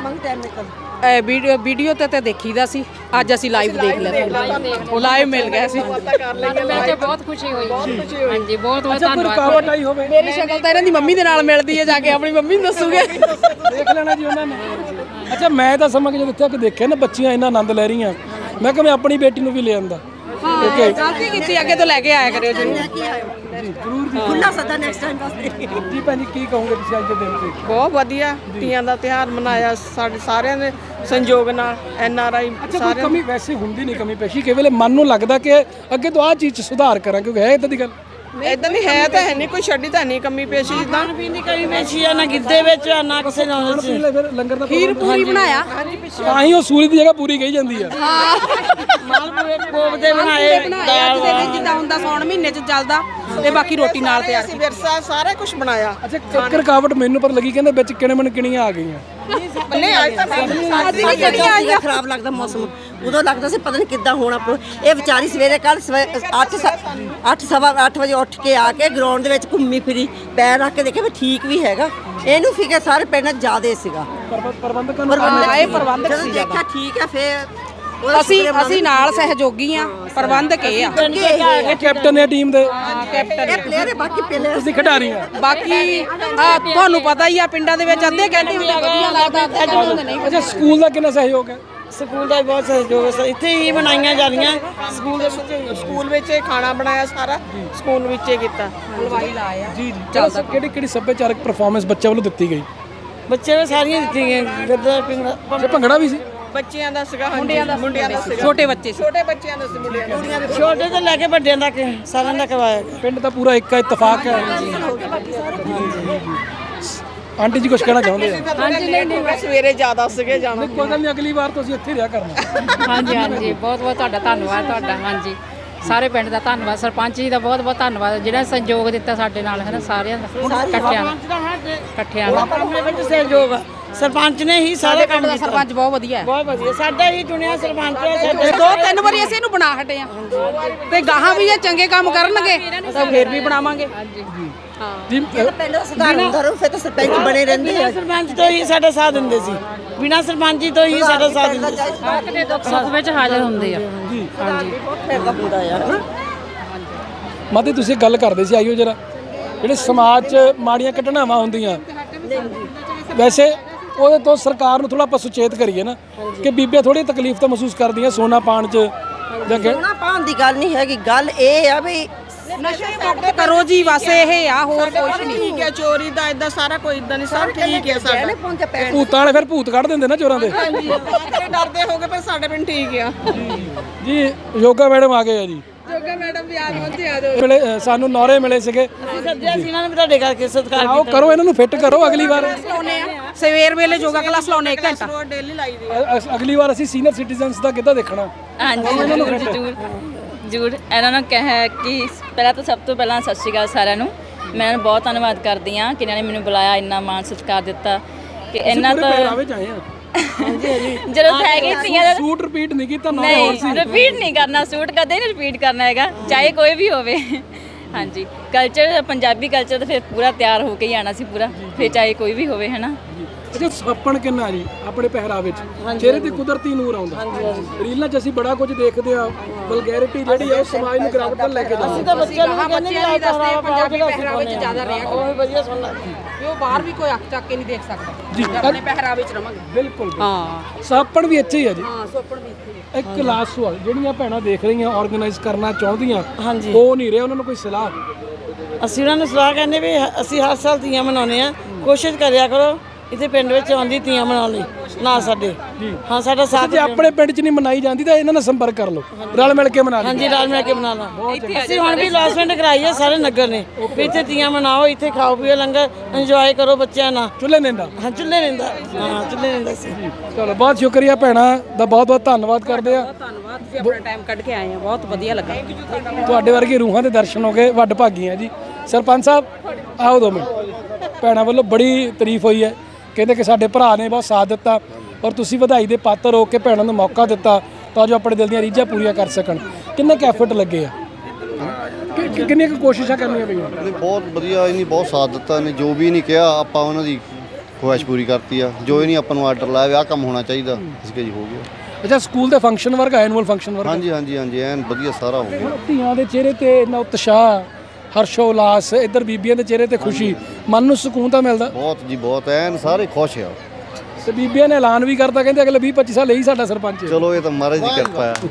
Speaker 3: ਇਹ ਵੀਡੀਓ ਵੀਡੀਓ ਤੇ ਤੇ ਦੇਖੀਦਾ ਸੀ, ਅੱਜ ਅਸੀਂ ਲਾਈਵ ਦੇਖ ਲਿਆ, ਉਹ ਲਾਈਵ ਮਿਲ ਗਿਆ ਸੀ।
Speaker 4: ਮਿਲ ਕੇ ਬਹੁਤ ਖੁਸ਼ੀ ਹੋਈ ਹਾਂਜੀ ਬਹੁਤ ਬਹੁਤ
Speaker 1: ਅੱਛਾ ਕੋਈ ਰੁਕਾਵਟ ਆਈ ਹੋਵੇ?
Speaker 3: ਮੇਰੀ ਸ਼ਕਲ ਤਾਂ ਇਹਨਾਂ ਦੀ ਮੰਮੀ ਦੇ ਨਾਲ ਮਿਲਦੀ ਹੈ, ਜਾ ਕੇ ਆਪਣੀ ਮੰਮੀ ਨੂੰ ਦੱਸੂਗੇ।
Speaker 1: ਦੇਖ ਲੈਣਾ ਜੀ ਉਹਨਾਂ ਨੇ। ਅੱਛਾ ਮੈਂ ਤਾਂ ਸਮਾਂ ਕਿ ਜਦੋਂ ਇੱਥੇ ਆ ਕੇ ਦੇਖਿਆ ਨਾ ਬੱਚੀਆਂ ਇੰਨਾ ਆਨੰਦ ਲੈ ਰਹੀਆਂ, ਮੈਂ ਕਿਹਾ ਮੈਂ ਆਪਣੀ ਬੇਟੀ ਨੂੰ ਵੀ ਲੈ ਆਂਦਾ।
Speaker 3: ਓਕੇ ਗਲਤੀ ਕੀਤੀ, ਅੱਗੇ ਤੋਂ ਲੈ ਕੇ ਆਇਆ ਕਰਿਓ ਜੀ।
Speaker 1: ਜ਼ਰੂਰ ਜੀ
Speaker 6: ਖੁੱਲਾ ਸੱਦਾ ਨੈਕਸਟ ਟਾਈਮ ਵਾਸਤੇ।
Speaker 1: ਜੀ ਭੈਣ ਜੀ ਕੀ ਕਹੋਗੇ ਤੁਸੀਂ ਅੱਜ ਦੇ ਦਿਨ ਤੇ?
Speaker 7: ਬਹੁਤ ਵਧੀਆ ਤੀਆਂ ਦਾ ਤਿਉਹਾਰ ਮਨਾਇਆ ਸਾਡੇ ਸਾਰਿਆਂ ਦੇ ਸੰਯੋਗ ਨਾਲ, ਐਨ ਆਰ ਆਈ
Speaker 1: ਅੱਛਾ ਕੋਈ ਕਮੀ ਵੈਸੇ ਹੁੰਦੀ ਨਹੀਂ, ਕਮੀ ਪੇਸ਼ੀ ਕਈ ਵੇਲੇ ਮਨ ਨੂੰ ਲੱਗਦਾ ਕਿ ਅੱਗੇ ਤੋਂ ਆਹ ਚੀਜ਼ 'ਚ ਸੁਧਾਰ ਕਰਾਂ, ਕਿਉਂਕਿ ਹੈ ਇਦਾਂ ਦੀ ਗੱਲ?
Speaker 7: ਇਦਾਂ ਦੀ ਹੈ ਤਾਂ ਹੈ ਨਹੀਂ, ਕੋਈ ਛੱਡੀ ਤਾਂ ਨਹੀਂ ਕਮੀ ਪੇਸ਼ੀ ਜਿੱਦਾਂ
Speaker 2: ਖਾਣ ਪੀਣ ਦੀ ਕਮੀ ਪੇਸ਼ੀ ਆ ਨਾ ਗਿੱਧੇ ਵਿੱਚ ਆ ਨਾ ਕਿਸੇ ਨਾਲ ਚ।
Speaker 1: ਲੈ ਫਿਰ ਲੰਗਰ ਦਾ
Speaker 3: ਖੀਰ ਪੂਰੀ ਬਣਾਇਆ,
Speaker 1: ਤਾਂ ਹੀ ਉਹ ਸੂਲੀ ਦੀ ਜਗ੍ਹਾ ਪੂਰੀ ਕਹੀ ਜਾਂਦੀ ਆ।
Speaker 2: ਮਾਲਪੂਰੇ ਕੋਫਤੇ ਬਣਾਏ,
Speaker 3: ਬਣਾਇਆ ਜਿਹਦੇ ਵਿੱਚ ਜਿੱਦਾਂ ਹੁੰਦਾ ਸੌਣ ਮਹੀਨੇ ਚ ਚੱਲਦਾ, ਤੇ ਬਾਕੀ ਰੋਟੀ ਨਾਲ ਤਿਆਰ
Speaker 7: ਅਸੀਂ ਵਿਰਸਾ ਸਾਰਾ ਕੁਝ ਬਣਾਇਆ।
Speaker 1: ਅੱਛਾ ਇੱਕ ਰੁਕਾਵਟ ਮੈਨੂੰ ਪਰ ਲੱਗੀ, ਕਹਿੰਦੇ ਵਿੱਚ ਕਿਣੇ ਮਨ ਕਿਣੀਆਂ ਆ ਗਈਆਂ।
Speaker 7: ਨਹੀਂ ਅੱਜ ਤਾਂ
Speaker 3: ਅੱਜ ਵੀ ਕਿਹੜੀਆਂ ਆਈਆਂ?
Speaker 6: ਖਰਾਬ ਲੱਗਦਾ ਮੌਸਮ, ਉਦੋਂ ਲੱਗਦਾ ਸੀ ਪਤਾ ਨਹੀਂ ਕਿੱਦਾਂ ਹੋਣਾ। ਇਹ ਵਿਚਾਰੀ ਸਵੇਰੇ ਕੱਲ ਅੱਠ ਅੱਠ ਸਵਾ ਅੱਠ ਵਜੇ ਉੱਠ ਕੇ ਆ ਕੇ ਗਰਾਊਂਡ ਦੇ ਵਿੱਚ ਘੁੰਮੀ ਫਿਰੀ, ਪੈਰ ਰੱਖ ਕੇ ਦੇਖਿਆ ਵੀ ਠੀਕ ਵੀ ਹੈਗਾ। ਇਹਨੂੰ ਫਿਕਰ ਸਾਰੇ ਪਿੰਡ ਜ਼ਿਆਦੇ ਸੀਗਾ।
Speaker 1: ਪ੍ਰਬੰਧਕਾਂ ਨੂੰ
Speaker 3: ਹਾਂ, ਇਹ ਪ੍ਰਬੰਧਕ
Speaker 6: ਜਦੋਂ
Speaker 3: ਸੀ
Speaker 6: ਦੇਖਿਆ ਠੀਕ ਹੈ ਫੇਰ
Speaker 3: ਅਸੀਂ ਅਸੀਂ ਨਾਲ ਸਹਿਯੋਗੀ ਆ, ਪ੍ਰਬੰਧਕ ਇਹ ਆ।
Speaker 1: ਇਹ ਕੈਪਟਨ ਹੈ ਟੀਮ ਦੇ,
Speaker 6: ਇਹ ਪਲੇਅਰ ਹੈ, ਬਾਕੀ ਪਲੇਅਰ
Speaker 1: ਤੁਸੀਂ ਖਿਡਾਰੀ ਆ।
Speaker 3: ਬਾਕੀ ਆ ਤੁਹਾਨੂੰ ਪਤਾ ਹੀ ਆ, ਪਿੰਡਾਂ ਦੇ ਵਿੱਚ ਅੱਧੇ ਕਹਿੰਦੇ ਹੁੰਦੇ ਵਧੀਆ ਲੱਗਦਾ, ਅੱਧੇ ਕਹਿੰਦੇ ਨਹੀਂ।
Speaker 1: ਅੱਛਾ ਸਕੂਲ ਦਾ ਕਿੰਨਾ ਸਹਿਯੋਗ ਹੈ?
Speaker 2: ਸਕੂਲ ਦਾ ਵੀ ਬਹੁਤ ਸਹਿਯੋਗ ਹੈ, ਇੱਥੇ ਹੀ ਬਣਾਈਆਂ ਜਾਂਦੀਆਂ ਸਕੂਲ ਦੇ ਵਿੱਚ।
Speaker 7: ਸਕੂਲ ਵਿੱਚ ਇਹ ਖਾਣਾ ਬਣਾਇਆ ਸਾਰਾ ਸਕੂਲ ਵਿੱਚ ਹੀ ਕੀਤਾ।
Speaker 3: ਹਲਵਾਈ ਲਾਇਆ
Speaker 1: ਜੀ ਜੀ ਚਲੋ ਕਿਹੜੀ ਕਿਹੜੀ ਸੱਭਿਆਚਾਰਕ ਪਰਫਾਰਮੈਂਸ ਬੱਚੇ ਵੱਲੋਂ ਦਿੱਤੀ ਗਈ?
Speaker 2: ਬੱਚੇ ਨੇ ਸਾਰੀਆਂ ਦਿੱਤੀਆਂ ਗਈਆਂ, ਗੱਦਾ ਪਿੰਗੜਾ
Speaker 1: ਅੱਛਾ ਭੰਗੜਾ ਵੀ ਸੀ?
Speaker 7: ਬੱਚਿਆਂ ਦਾ ਸੀਗਾ, ਮੁੰਡਿਆਂ ਦਾ ਮੁੰਡਿਆਂ ਦਾ ਸੀਗਾ,
Speaker 3: ਛੋਟੇ ਬੱਚੇ ਸੀ।
Speaker 7: ਛੋਟੇ ਬੱਚਿਆਂ ਦਾ ਸੀ, ਮੁੰਡਿਆਂ ਦਾ।
Speaker 2: ਛੋਟੇ ਤੋਂ ਲੈ ਕੇ ਵੱਡਿਆਂ ਤੱਕ ਸਾਰਿਆਂ ਦਾ ਕਰਵਾਇਆ ਗਿਆ।
Speaker 1: ਪਿੰਡ ਦਾ ਪੂਰਾ ਇੱਕ ਇਤਫਾਕ ਹੈ। ਆਂਟੀ ਜੀ ਕੁਝ ਕਹਿਣਾ ਚਾਹੁੰਦੇ ਆ?
Speaker 7: ਹਾਂਜੀ ਨਹੀਂ ਨਹੀਂ ਸਵੇਰੇ ਜ਼ਿਆਦਾ ਸੀਗੇ ਜਾਣਾ।
Speaker 1: ਕੋਈ ਗੱਲ ਨਹੀਂ, ਅਗਲੀ ਵਾਰ ਤੁਸੀਂ ਇੱਥੇ ਰਿਹਾ ਕਰਨਾ।
Speaker 8: ਹਾਂਜੀ ਹਾਂਜੀ ਬਹੁਤ ਬਹੁਤ ਤੁਹਾਡਾ ਧੰਨਵਾਦ ਤੁਹਾਡਾ। ਹਾਂਜੀ ਸਾਰੇ ਪਿੰਡ ਦਾ ਧੰਨਵਾਦ, ਸਰਪੰਚ ਜੀ ਦਾ ਬਹੁਤ ਬਹੁਤ ਧੰਨਵਾਦ ਜਿਹੜਾ ਸੰਯੋਗ ਦਿੱਤਾ ਸਾਡੇ ਨਾਲ, ਹੈ ਨਾ ਸਾਰਿਆਂ ਦਾ ਇਕੱਠਿਆਂ ਦਾ ਇਕੱਠਿਆਂ ਦਾ।
Speaker 2: ਆਪਣੇ ਵਿੱਚ ਸਹਿਯੋਗ ਆ, ਸਰਪੰਚ ਨੇ ਹੀ ਸਾਰਾ ਕੰਮ
Speaker 3: ਪਿੰਡ ਦਾ
Speaker 2: ਕੀਤਾ।
Speaker 3: ਸਰਪੰਚ ਬਹੁਤ ਵਧੀਆ ਹੈ।
Speaker 2: ਬਹੁਤ ਵਧੀਆ, ਸਾਡਾ ਹੀ ਚੁਣਿਆ ਸਰਪੰਚ ਹੈ ਸਾਡੇ।
Speaker 3: ਦੋ ਤਿੰਨ ਵਾਰੀ ਅਸੀਂ ਇਹਨੂੰ ਬਣਾ ਹਟੇ ਆ, ਤੇ ਗਾਹਾਂ ਵੀ ਇਹ ਚੰਗੇ ਕੰਮ ਕਰਨਗੇ ਤਾਂ ਫੇਰ ਵੀ ਬਣਾਵਾਂਗੇ।
Speaker 1: ਜੀ
Speaker 6: ਪਿੰਡ ਦਾ ਸੁਧਾਰ ਹੁੰਦਾ ਰਹੂ, ਫਿਰ ਤਾਂ ਸਰਪੰਚ ਬਣੇ ਰਹਿੰਦੇ ਆ।
Speaker 2: ਸਰਪੰਚ ਤੋਂ ਹੀ ਸਾਡਾ ਸਾਥ ਦਿੰਦੇ ਸੀ, ਬਿਨਾਂ ਸਰਪੰਚੀ ਤੋਂ ਹੀ ਸਾਡਾ ਸਾਥ ਦਿੰਦੇ ਸੀ।
Speaker 8: ਦੇ ਦੁੱਖ ਸੁੱਖ ਵਿੱਚ ਹਾਜ਼ਰ ਹੁੰਦੇ ਆ।
Speaker 1: ਜੀ
Speaker 6: ਹਾਂਜੀ ਫਿਰ ਦਾ ਹੁੰਦਾ ਆ ਹਨਾ।
Speaker 1: ਮਾਤੇ ਤੁਸੀਂ ਗੱਲ ਕਰਦੇ ਸੀ ਆਈਓ ਜਰਾ, ਜਿਹੜੇ ਸਮਾਜ 'ਚ ਮਾੜੀਆਂ ਘਟਨਾਵਾਂ ਹੁੰਦੀਆਂ ਵੈਸੇ ਉਹਦੇ ਤੋਂ ਸਰਕਾਰ ਨੂੰ ਥੋੜਾ ਆਪਾਂ ਸੁਚੇਤ ਕਰੀਏ ਨਾ ਕਿ ਬੀਬੀਆਂ ਥੋੜੀ ਤਕਲੀਫ ਤਾਂ ਮਹਿਸੂਸ ਕਰਦੀਆਂ ਸੋਨਾ ਪਾਣ 'ਚ ਜਾਂ ਕਿ
Speaker 6: ਸੋਨਾ ਪਾਉਣ ਦੀ ਗੱਲ ਨਹੀਂ ਹੈਗੀ, ਗੱਲ ਇਹ ਆ ਵੀ
Speaker 3: ਨਸ਼ੇ ਮੁਕਤ ਕਰੋ ਜੀ, ਬਸ ਇਹ ਆ, ਹੋਰ ਕੁਛ ਨਹੀਂ।
Speaker 7: ਠੀਕ ਹੈ, ਚੋਰੀ ਦਾ ਇਦਾਂ ਸਾਰਾ ਕੋਈ ਇਦਾਂ ਨਹੀਂ, ਸਭ ਠੀਕ ਹੈ ਸਾਡਾ।
Speaker 1: ਭੂਤਾਂ ਵਾਲੇ ਫਿਰ ਭੂਤ ਕੱਢ ਦਿੰਦੇ ਨਾ ਚੋਰਾਂ ਦੇ।
Speaker 7: ਹਾਂਜੀ ਡਰਦੇ ਹੋਗੇ, ਪਰ ਸਾਡੇ ਪਿੰਡ ਠੀਕ ਆ।
Speaker 1: ਜੀ ਯੋਗਾ ਮੈਡਮ ਆ ਗਏ ਆ ਜੀ,
Speaker 7: ਜੋਗਾ ਮੈਡਮ ਵੀ ਆ ਪਹੁੰਚੇ ਆ ਜਾਓ।
Speaker 1: ਮਿਲੇ ਅ, ਸਾਨੂੰ ਨੌਰੇ ਮਿਲੇ ਸੀਗੇ।
Speaker 2: ਸੱਜਿਆ ਸੀ ਇਹਨਾਂ ਨੇ ਵੀ ਤੁਹਾਡੇ ਕਰਕੇ ਸਤਿਕਾਰ
Speaker 1: ਆਓ ਕਰੋ ਇਹਨਾਂ ਨੂੰ ਫਿੱਟ ਕਰੋ ਅਗਲੀ ਵਾਰ।
Speaker 3: ਸਵੇਰ ਵੇਲੇ ਯੋਗਾ ਕਲਾਸ ਲਾਉਣੇ ਇੱਕ ਘੰਟਾ
Speaker 7: ਡੇਲੀ ਲਾਈ ਦੀ।
Speaker 1: ਅ- ਅ- ਅਗਲੀ ਵਾਰ ਅਸੀਂ ਸੀਨੀਅਰ ਸਿਟੀਜ਼ਨਸ ਦਾ ਕਿੱਦਾਂ ਦੇਖਣਾ।
Speaker 4: ਹਾਂਜੀ ਜ਼ਰੂਰ ਜ਼ਰੂਰ ਜ਼ਰੂਰ ਇਹਨਾਂ ਨੂੰ ਕਹਿ ਕਿ ਪਹਿਲਾਂ ਤਾਂ ਸਭ ਤੋਂ ਪਹਿਲਾਂ ਸਤਿ ਸ਼੍ਰੀ ਅਕਾਲ ਸਾਰਿਆਂ ਨੂੰ। ਮੈਂ ਇਹਨਾਂ ਨੂੰ ਬਹੁਤ ਧੰਨਵਾਦ ਕਰਦੀ ਹਾਂ ਕਿ ਇਹਨਾਂ ਨੇ ਮੈਨੂੰ ਬੁਲਾਇਆ, ਇੰਨਾ ਮਾਣ ਸਤਿਕਾਰ ਦਿੱਤਾ ਕਿ ਇਹਨਾਂ ਤੋਂ
Speaker 1: ਪਹਿਰਾਵੇ 'ਚ ਆਏ ਆ।
Speaker 4: ਜਦੋਂ ਹੈਗੇ ਤੀਆਂ ਦਾ
Speaker 1: ਸੂਟ ਰਿਪੀਟ ਨਹੀਂ ਕੀਤਾ ਨਾ ਹੋਰ ਸੀ।
Speaker 4: ਨਹੀਂ ਰਿਪੀਟ ਨਹੀਂ ਕਰਨਾ, ਸੂਟ ਕਦੇ ਨਹੀਂ ਰਿਪੀਟ ਕਰਨਾ ਹੈਗਾ, ਚਾਹੇ ਕੋਈ ਵੀ ਹੋਵੇ। ਹਾਂਜੀ ਕਲਚਰ, ਪੰਜਾਬੀ ਕਲਚਰ ਤਾਂ ਫਿਰ ਪੂਰਾ ਤਿਆਰ ਹੋ ਕੇ ਹੀ ਆਣਾ ਸੀ ਪੂਰਾ, ਫਿਰ ਚਾਹੇ ਕੋਈ ਵੀ ਹੋਵੇ, ਹੈ ਨਾ।
Speaker 1: ਅੱਛਾ ਸਾਪਣ ਕਿੰਨਾ ਜੀ ਆਪਣੇ ਪਹਿਰਾਵੇ 'ਚ, ਚਿਹਰੇ ਤੇ ਕੁਦਰਤੀ ਨੂਰ ਆਉਂਦਾ। ਰੀਲਾਂ 'ਚ ਅਸੀਂ ਬੜਾ ਕੁਝ ਦੇਖਦੇ ਆ, ਵਲਗੈਰਿਟੀ ਜਿਹੜੀ ਆ ਉਹ ਸਮਾਜ ਨੂੰ ਗਿਰਾਵਟ ਵੱਲ ਲੈ ਕੇ ਜਾਂਦੀ।
Speaker 2: ਤਾਂ ਬੱਚਿਆਂ ਨੂੰ ਕਹਿੰਦੇ
Speaker 3: ਬੱਚਿਆਂ ਨੂੰ ਦੱਸਦੇ ਪੰਜਾਬੀ ਪਹਿਰਾਵੇ 'ਚ
Speaker 2: ਚ
Speaker 3: ਜ਼ਿਆਦਾ ਰਿਹਾ ਕਰੋ।
Speaker 2: ਉਹ ਵੀ ਵਧੀਆ ਸੁਣਨਾ।
Speaker 3: ਵੀ ਉਹ ਬਾਹਰ ਵੀ ਕੋਈ ਅੱਖ ਚੱਕ ਕੇ ਨਹੀਂ ਦੇਖ ਸਕਦਾ
Speaker 1: ਜੀ
Speaker 3: ਆਪਣੇ ਪਹਿਰਾਵੇ 'ਚ ਰਵਾਂਗੇ।
Speaker 1: ਬਿਲਕੁਲ
Speaker 3: ਹਾਂ
Speaker 1: ਸਾਪਣ ਵੀ ਇੱਥੇ ਹੀ ਆ ਜੀ।
Speaker 3: ਹਾਂ ਸੋਪੜ ਵੀ ਇੱਥੇ ਹੀ ਹੈ।
Speaker 1: ਇੱਕ ਲਾਸਟ ਸਵਾਲ, ਜਿਹੜੀਆਂ ਭੈਣਾਂ ਦੇਖ ਰਹੀਆਂ ਆਰਗੇਨਾਈਜ਼ ਕਰਨਾ ਚਾਹੁੰਦੀਆਂ
Speaker 2: ਹਾਂਜੀ।
Speaker 1: ਉਹ ਨਹੀਂ ਰਹੇ, ਉਹਨਾਂ ਨੂੰ ਕੋਈ ਸਲਾਹ?
Speaker 2: ਅਸੀਂ ਉਹਨਾਂ ਨੂੰ ਸਲਾਹ ਕਹਿੰਦੇ ਵੀ ਅਸੀਂ ਹਰ ਸਾਲ ਤੀਆਂ ਮਨਾਉਂਦੇ ਆ, ਕੋਸ਼ਿਸ਼ ਕਰਿਆ ਕਰੋ ਇੱਥੇ ਪਿੰਡ ਵਿੱਚ ਆਉਂਦੀ ਤੀਆਂ ਮਨਾਉਣ ਲਈ ਨਾ ਸਾਡੇ। ਹਾਂ ਸਾਡਾ ਸਾਥ
Speaker 1: ਜੇ ਆਪਣੇ ਪਿੰਡ 'ਚ ਨਹੀਂ ਮਨਾਈ ਜਾਂਦੀ ਤਾਂ ਇਹਨਾਂ ਨਾਲ ਸੰਪਰਕ ਕਰ ਲਓ, ਰਲ ਮਿਲ ਕੇ ਮਨਾ ਲਓ।
Speaker 2: ਹਾਂਜੀ ਰਲ ਮਿਲ ਕੇ ਮਨਾ ਲਓ। ਅਸੀਂ ਹੁਣ ਵੀ ਅਨਾਉਂਸਮੈਂਟ ਕਰਾਈ ਹੈ ਸਾਰੇ ਨਗਰ ਨੇ ਵੀ ਇੱਥੇ ਤੀਆਂ ਮਨਾਓ, ਇੱਥੇ ਖਾਓ ਪੀਓ, ਲੰਗਰ ਇੰਜੋਏ ਕਰੋ ਬੱਚਿਆਂ ਨਾਲ।
Speaker 1: ਚੁੱਲ੍ਹੇ ਨਿੰਦਾ।
Speaker 2: ਹਾਂ ਚੁੱਲ੍ਹੇ ਰਹਿੰਦਾ, ਹਾਂ ਚੁੱਲ੍ਹੇ ਰਹਿੰਦਾ ਸੀ।
Speaker 1: ਚਲੋ ਬਹੁਤ ਸ਼ੁਕਰੀਆ ਭੈਣਾਂ ਦਾ, ਬਹੁਤ ਬਹੁਤ ਧੰਨਵਾਦ ਕਰਦੇ ਆ।
Speaker 3: ਧੰਨਵਾਦ, ਤੁਸੀਂ ਆਪਣਾ ਟਾਈਮ ਕੱਢ ਕੇ ਆਏ ਆ, ਬਹੁਤ ਵਧੀਆ ਲੱਗਾ।
Speaker 1: ਤੁਹਾਡੇ ਵਰਗੇ ਰੂਹਾਂ ਦੇ ਦਰਸ਼ਨ ਹੋ ਗਏ, ਵੱਡ ਭਾਗੀਆਂ ਜੀ। ਸਰਪੰਚ ਸਾਹਿਬ ਆਓ ਦੋ ਮਿੰਟ। ਭੈਣਾਂ ਵੱਲੋਂ ਬੜੀ ਤਾਰੀਫ ਹੋਈ ਹੈ, ਕਹਿੰਦੇ ਕਿ ਸਾਡੇ ਭਰਾ ਨੇ ਬਹੁਤ ਸਾਥ ਦਿੱਤਾ ਔਰ ਤੁਸੀਂ ਵਧਾਈ ਦੇ ਪਾਤਰ ਹੋ ਕੇ ਭੈਣਾਂ ਨੂੰ ਮੌਕਾ ਦਿੱਤਾ ਤਾਂ ਜੋ ਆਪਣੇ ਦਿਲ ਦੀਆਂ ਰੀਝਾਂ ਪੂਰੀਆਂ ਕਰ ਸਕਣ। ਕਿੰਨੇ ਕੁ ਐਫਰਟ ਲੱਗੇ ਆ, ਕਿ- ਕਿ- ਕਿੰਨੀਆਂ ਕੁ ਕੋਸ਼ਿਸ਼ਾਂ ਕਰਨੀਆਂ ਪਈਆਂ?
Speaker 9: ਨਹੀਂ ਬਹੁਤ ਵਧੀਆ, ਇਹਨੇ ਬਹੁਤ ਸਾਥ ਦਿੱਤਾ ਨੇ। ਜੋ ਵੀ ਨਹੀਂ ਕਿਹਾ ਆਪਾਂ ਉਹਨਾਂ ਦੀ ਖੁਆਇਸ਼ ਪੂਰੀ ਕਰਤੀ ਆ। ਜੋ ਇਹ ਨਹੀਂ ਆਪਾਂ ਨੂੰ ਆਰਡਰ ਲਾਇਆ ਵੀ ਆਹ ਕੰਮ ਹੋਣਾ ਚਾਹੀਦਾ, ਇਸ ਕੇ ਜੀ ਹੋ ਗਿਆ।
Speaker 1: ਅੱਛਾ ਸਕੂਲ ਦੇ ਫੰਕਸ਼ਨ ਵਰਗਾ, ਐਨੂਅਲ ਫੰਕਸ਼ਨ ਵਰਗਾ?
Speaker 9: ਹਾਂਜੀ ਹਾਂਜੀ ਹਾਂਜੀ ਐਨ ਵਧੀਆ ਸਾਰਾ ਹੋ ਗਿਆ।
Speaker 1: ਧੀਆਂ ਦੇ ਚਿਹਰੇ ਤੇ ਇੰਨਾ ਉਤਸ਼ਾਹ, ਹਰਸ਼ੋ ਉਲਾਸ, ਇੱਧਰ ਬੀਬੀਆਂ ਦੇ ਚਿਹਰੇ ਤੇ ਖੁਸ਼ੀ, ਮਨ ਨੂੰ ਸਕੂਨ ਤਾਂ ਮਿਲਦਾ।
Speaker 9: ਬਹੁਤ ਜੀ ਬਹੁਤ ਐਨ ਸਾਰੇ ਖੁਸ਼ ਆ।
Speaker 1: ਤੇ ਬੀਬੀਆਂ ਨੇ ਐਲਾਨ ਵੀ ਕਰਤਾ, ਕਹਿੰਦੇ ਅਗਲੇ ਵੀਹ ਪੱਚੀ ਸਾਲ ਇਹੀ ਸਾਡਾ ਸਰਪੰਚ ਹੈ।
Speaker 9: ਚਲੋ ਇਹ ਤਾਂ ਮਹਾਰਾਜ ਦੀ ਕਿਰਪਾ ਆ।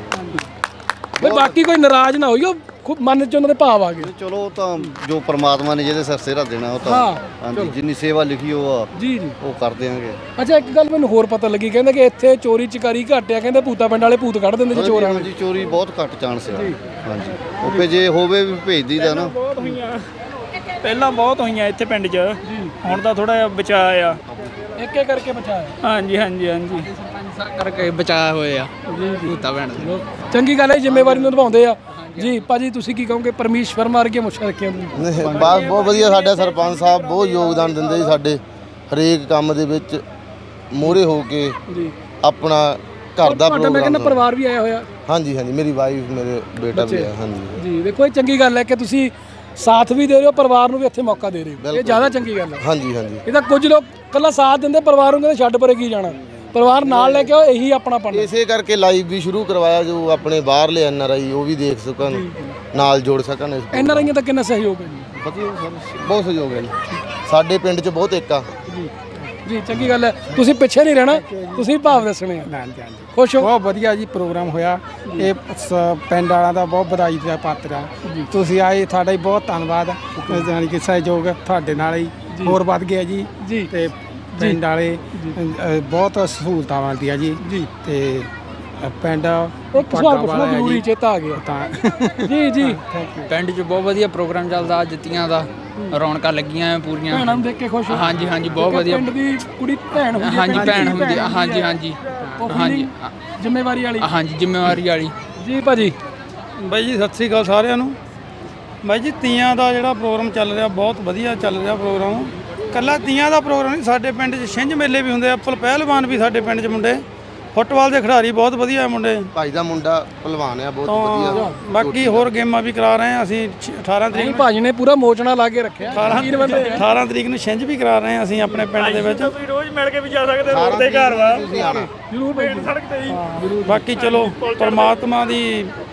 Speaker 1: ਬਈ ਬਾਕੀ ਕੋਈ ਨਾਰਾਜ਼ ਨਾ ਹੋਈਓ, ਖੂਬ ਮਨ 'ਚ ਉਹਨਾਂ ਦੇ ਭਾਵ ਆ ਗਏ।
Speaker 9: ਚਲੋ ਉਹ ਤਾਂ ਜੋ ਪ੍ਰਮਾਤਮਾ ਨੇ ਜਿਹਦੇ ਸਿਰ ਸਿਹਰਾ ਦੇਣਾ ਉਹ ਤਾਂ
Speaker 1: ਹਾਂ,
Speaker 9: ਹਾਂਜੀ ਜਿੰਨੀ ਸੇਵਾ ਲਿਖੀ ਉਹ ਆ
Speaker 1: ਜੀ ਜੀ।
Speaker 9: ਉਹ ਕਰ ਦਿਆਂਗੇ।
Speaker 1: ਅੱਛਾ ਇੱਕ ਗੱਲ ਮੈਨੂੰ ਹੋਰ ਪਤਾ ਲੱਗੀ, ਕਹਿੰਦੇ ਕਿ ਇੱਥੇ ਚੋਰੀ ਚਕਾਰੀ ਘੱਟ ਆ, ਕਹਿੰਦੇ ਭੂਤਾ ਪਿੰਡ ਵਾਲੇ ਭੂਤ ਕੱਢ ਦਿੰਦੇ ਜੇ ਚੋਰ ਆਣ।
Speaker 9: ਹਾਂਜੀ ਚੋਰੀ ਬਹੁਤ ਘੱਟ ਚਾਂਸ ਆ। ਹਾਂਜੀ ਉਹ ਪੇ ਜੇ ਹੋਵੇ ਵੀ ਭੇਜ ਦਈਦਾ ਨਾ।
Speaker 5: ਬਹੁਤ ਹੋਈਆਂ, ਪਹਿਲਾਂ ਬਹੁਤ ਹੋਈਆਂ ਇੱਥੇ ਪਿੰਡ 'ਚ, ਹੁਣ ਤਾਂ ਥੋੜਾ ਜਿਹਾ ਬਚਾਅ ਆ।
Speaker 1: ਇੱਕ ਇੱਕ ਕਰਕੇ ਬਚਾਇਆ।
Speaker 5: ਹਾਂਜੀ ਹਾਂਜੀ ਹਾਂਜੀ
Speaker 10: ਕਰਕੇ ਬਚਾਇਆ ਹੋਏ ਆ ਭੂਤਾ ਭੈਣ ਦੇ।
Speaker 1: ਚੰਗੀ ਗੱਲ ਹੈ, ਜ਼ਿੰਮੇਵਾਰੀ ਨੂੰ ਨਿਭਾਉਂਦੇ ਆ ਜੀ। ਭਾਜੀ ਤੁਸੀਂ ਕੀ ਕਹੋਗੇ, ਪਰਮੇਸ਼ ਵਰਮਾ ਵਰਗੀਆਂ ਮੁੱਛਾਂ ਰੱਖੀਆਂ ਤੁਸੀਂ?
Speaker 11: ਬਸ ਬਹੁਤ ਵਧੀਆ, ਸਾਡੇ ਸਰਪੰਚ ਸਾਹਿਬ ਬਹੁਤ ਯੋਗਦਾਨ ਦਿੰਦੇ ਜੀ ਸਾਡੇ ਹਰੇਕ ਕੰਮ ਦੇ ਵਿੱਚ, ਮੋਹਰੇ ਹੋ ਕੇ
Speaker 1: ਜੀ
Speaker 11: ਆਪਣਾ ਘਰ ਦਾ
Speaker 1: ਤੁਹਾਡਾ ਮੈਂ ਕਹਿੰਦਾ
Speaker 11: ਪ੍ਰੋਗਰਾਮ।
Speaker 1: ਪਰਿਵਾਰ ਵੀ ਆਇਆ ਹੋਇਆ।
Speaker 11: ਹਾਂਜੀ ਹਾਂਜੀ ਮੇਰੀ ਵਾਈਫ, ਮੇਰੇ ਬੇਟਾ ਵੀ ਆ। ਹਾਂਜੀ
Speaker 1: ਜੀ ਦੇਖੋ ਇਹ ਚੰਗੀ ਗੱਲ ਹੈ ਕਿ ਤੁਸੀਂ ਸਾਥ ਵੀ ਦੇ ਰਹੇ ਹੋ, ਪਰਿਵਾਰ ਨੂੰ ਵੀ ਇੱਥੇ ਮੌਕਾ ਦੇ ਰਹੇ ਹੋ, ਇਹ ਜ਼ਿਆਦਾ ਚੰਗੀ ਗੱਲ ਹੈ।
Speaker 11: ਹਾਂਜੀ ਹਾਂਜੀ
Speaker 1: ਇਹ ਤਾਂ ਕੁਝ ਲੋਕ ਕੱਲਾ ਸਾਥ ਦਿੰਦੇ, ਪਰਿਵਾਰ ਨੂੰ ਕਹਿੰਦੇ ਛੱਡ ਪਰੇ ਕੀ ਜਾਣਾ, ਪਰਿਵਾਰ ਨਾਲ ਲੈ ਕੇ ਆਓ, ਇਹੀ ਆਪਣਾ ਪਣ।
Speaker 11: ਇਸੇ ਕਰਕੇ ਲਾਈਵ ਵੀ ਸ਼ੁਰੂ ਕਰਵਾਇਆ, ਜੋ ਆਪਣੇ ਬਾਹਰਲੇ ਐਨ ਆਰ ਆਈ ਉਹ ਵੀ ਦੇਖ ਸਕਣ, ਨਾਲ ਜੁੜ ਸਕਣ। ਇਸ
Speaker 1: ਐਨ ਆਰ ਆਈਆਂ ਦਾ ਕਿੰਨਾ ਸਹਿਯੋਗ ਹੈ ਜੀ?
Speaker 11: ਵਧੀਆ ਸਰ, ਬਹੁਤ ਸਹਿਯੋਗ ਹੈ ਜੀ ਸਾਡੇ ਪਿੰਡ 'ਚ, ਬਹੁਤ ਏਕਾ।
Speaker 1: ਜੀ ਜੀ ਚੰਗੀ ਗੱਲ ਹੈ, ਤੁਸੀਂ ਪਿੱਛੇ ਨਹੀਂ ਰਹਿਣਾ, ਤੁਸੀਂ ਭਾਵ ਦੱਸਣੇ ਆ। ਖੁਸ਼ ਹੋ?
Speaker 10: ਬਹੁਤ ਵਧੀਆ ਜੀ ਪ੍ਰੋਗਰਾਮ ਹੋਇਆ, ਇਹ ਸ- ਪਿੰਡ ਵਾਲਿਆਂ ਦਾ ਬਹੁਤ ਵਧਾਈ ਦਾ ਪਾਤਰ ਆ। ਤੁਸੀਂ ਆਏ, ਤੁਹਾਡਾ ਹੀ ਬਹੁਤ ਧੰਨਵਾਦ। ਜਾਣੀ ਕਿ ਸਹਿਯੋਗ ਤੁਹਾਡੇ ਨਾਲ ਹੀ ਹੋਰ ਵੱਧ ਗਿਆ ਜੀ।
Speaker 1: ਜੀ
Speaker 10: ਤੇ ਪਿੰਡ ਵਾਲੇ ਅ, ਬਹੁਤ ਸਹੂਲਤਾਂ ਮਿਲਦੀ ਆ ਜੀ।
Speaker 1: ਜੀ
Speaker 10: ਤੇ ਅ, ਪਿੰਡ
Speaker 1: ਇੱਕ ਸਵਾਲ ਪੁੱਛਣਾ ਜ਼ਰੂਰੀ, ਚੇਤਾ ਆ ਗਿਆ
Speaker 10: ਤਾਂ
Speaker 1: ਜੀ ਜੀ।
Speaker 10: ਪਿੰਡ 'ਚ ਬਹੁਤ ਵਧੀਆ ਪ੍ਰੋਗਰਾਮ ਚੱਲਦਾ, ਅੱਜ ਤੀਆਂ ਦਾ ਰੌਣਕਾਂ ਲੱਗੀਆਂ ਪੂਰੀਆਂ।
Speaker 1: ਭੈਣਾਂ ਨੂੰ ਦੇਖ ਕੇ ਖੁਸ਼ ਹੋ?
Speaker 10: ਹਾਂਜੀ ਹਾਂਜੀ ਬਹੁਤ
Speaker 1: ਇੱਕ
Speaker 10: ਵਧੀਆ।
Speaker 1: ਪਿੰਡ ਦੀ ਕੁੜੀ ਭੈਣ ਹੁੰਦੀ ਹੈ,
Speaker 10: ਹਾਂਜੀ
Speaker 1: ਪਿੰਡ ਦੀ
Speaker 10: ਭੈਣ ਹੁੰਦੀ ਆ, ਹਾਂਜੀ
Speaker 1: ਹੈ।
Speaker 10: ਹਾਂਜੀ
Speaker 1: ਉਹ
Speaker 10: ਹਾਂਜੀ
Speaker 1: feeling ਜ਼ਿੰਮੇਵਾਰੀ ਵਾਲੀ।
Speaker 10: ਹਾਂਜੀ ਜ਼ਿੰਮੇਵਾਰੀ ਵਾਲੀ।
Speaker 1: ਜੀ ਭਾਜੀ।
Speaker 5: ਬਾਈ ਜੀ ਸਤਿ ਸ੍ਰੀ ਅਕਾਲ ਸਾਰਿਆਂ ਨੂੰ। ਬਾਈ ਜੀ ਤੀਆਂ ਦਾ ਜਿਹੜਾ ਪ੍ਰੋਗਰਾਮ ਚੱਲ ਰਿਹਾ ਬਹੁਤ ਵਧੀਆ ਚੱਲ ਰਿਹਾ ਪ੍ਰੋਗਰਾਮ। ਕੱਲਾ ਤੀਆਂ ਦਾ ਪ੍ਰੋਗਰਾਮ ਨਹੀਂ, ਸਾਡੇ ਪਿੰਡ 'ਚ ਛਿੰਝ ਮੇਲੇ ਵੀ ਹੁੰਦੇ ਆ, ਅੱਪਲ ਪਹਿਲਵਾਨ ਵੀ ਸਾਡੇ ਪਿੰਡ 'ਚ ਮੁੰਡੇ, ਫੁੱਟਬਾਲ ਦੇ ਖਿਡਾਰੀ ਬਹੁਤ ਵਧੀਆ ਮੁੰਡੇ।
Speaker 11: ਭਾਈ ਦਾ ਮੁੰਡਾ ਪਹਿਲਵਾਨ ਆ, ਬਹੁਤ ਵਧੀਆ।
Speaker 5: ਬਾਕੀ ਹੋਰ ਗੇਮਾਂ ਵੀ ਕਰਾ ਰਹੇ ਆ ਅਸੀਂ। ਅਠਾਰਾਂ ਤਰੀਕ
Speaker 1: ਨਹੀਂ ਭਾਜੀ ਨੇ ਪੂਰਾ ਮੋਚਣਾ ਲਾ ਕੇ ਰੱਖਿਆ।
Speaker 5: ਅਠਾਰਾਂ ਅਠਾਰਾਂ ਤਰੀਕ ਨੂੰ ਛਿੰਝ ਵੀ ਕਰਾ ਰਹੇ ਆ ਅਸੀਂ ਆਪਣੇ ਪਿੰਡ ਦੇ ਵਿੱਚ। ਤੁਸੀਂ ਰੋਜ਼ ਮਿਲ ਕੇ ਵੀ ਜਾ ਸਕਦੇ ਹੋ, ਦੇ ਘਰ ਵਾ
Speaker 11: ਤੁਸੀਂ ਆਣਾ
Speaker 1: ਜ਼ਰੂਰ ਭਾਈ।
Speaker 5: ਸੜਕ ਤੇ ਹੀ। ਬਾਕੀ ਚਲੋ ਪਰਮਾਤਮਾ ਦੀ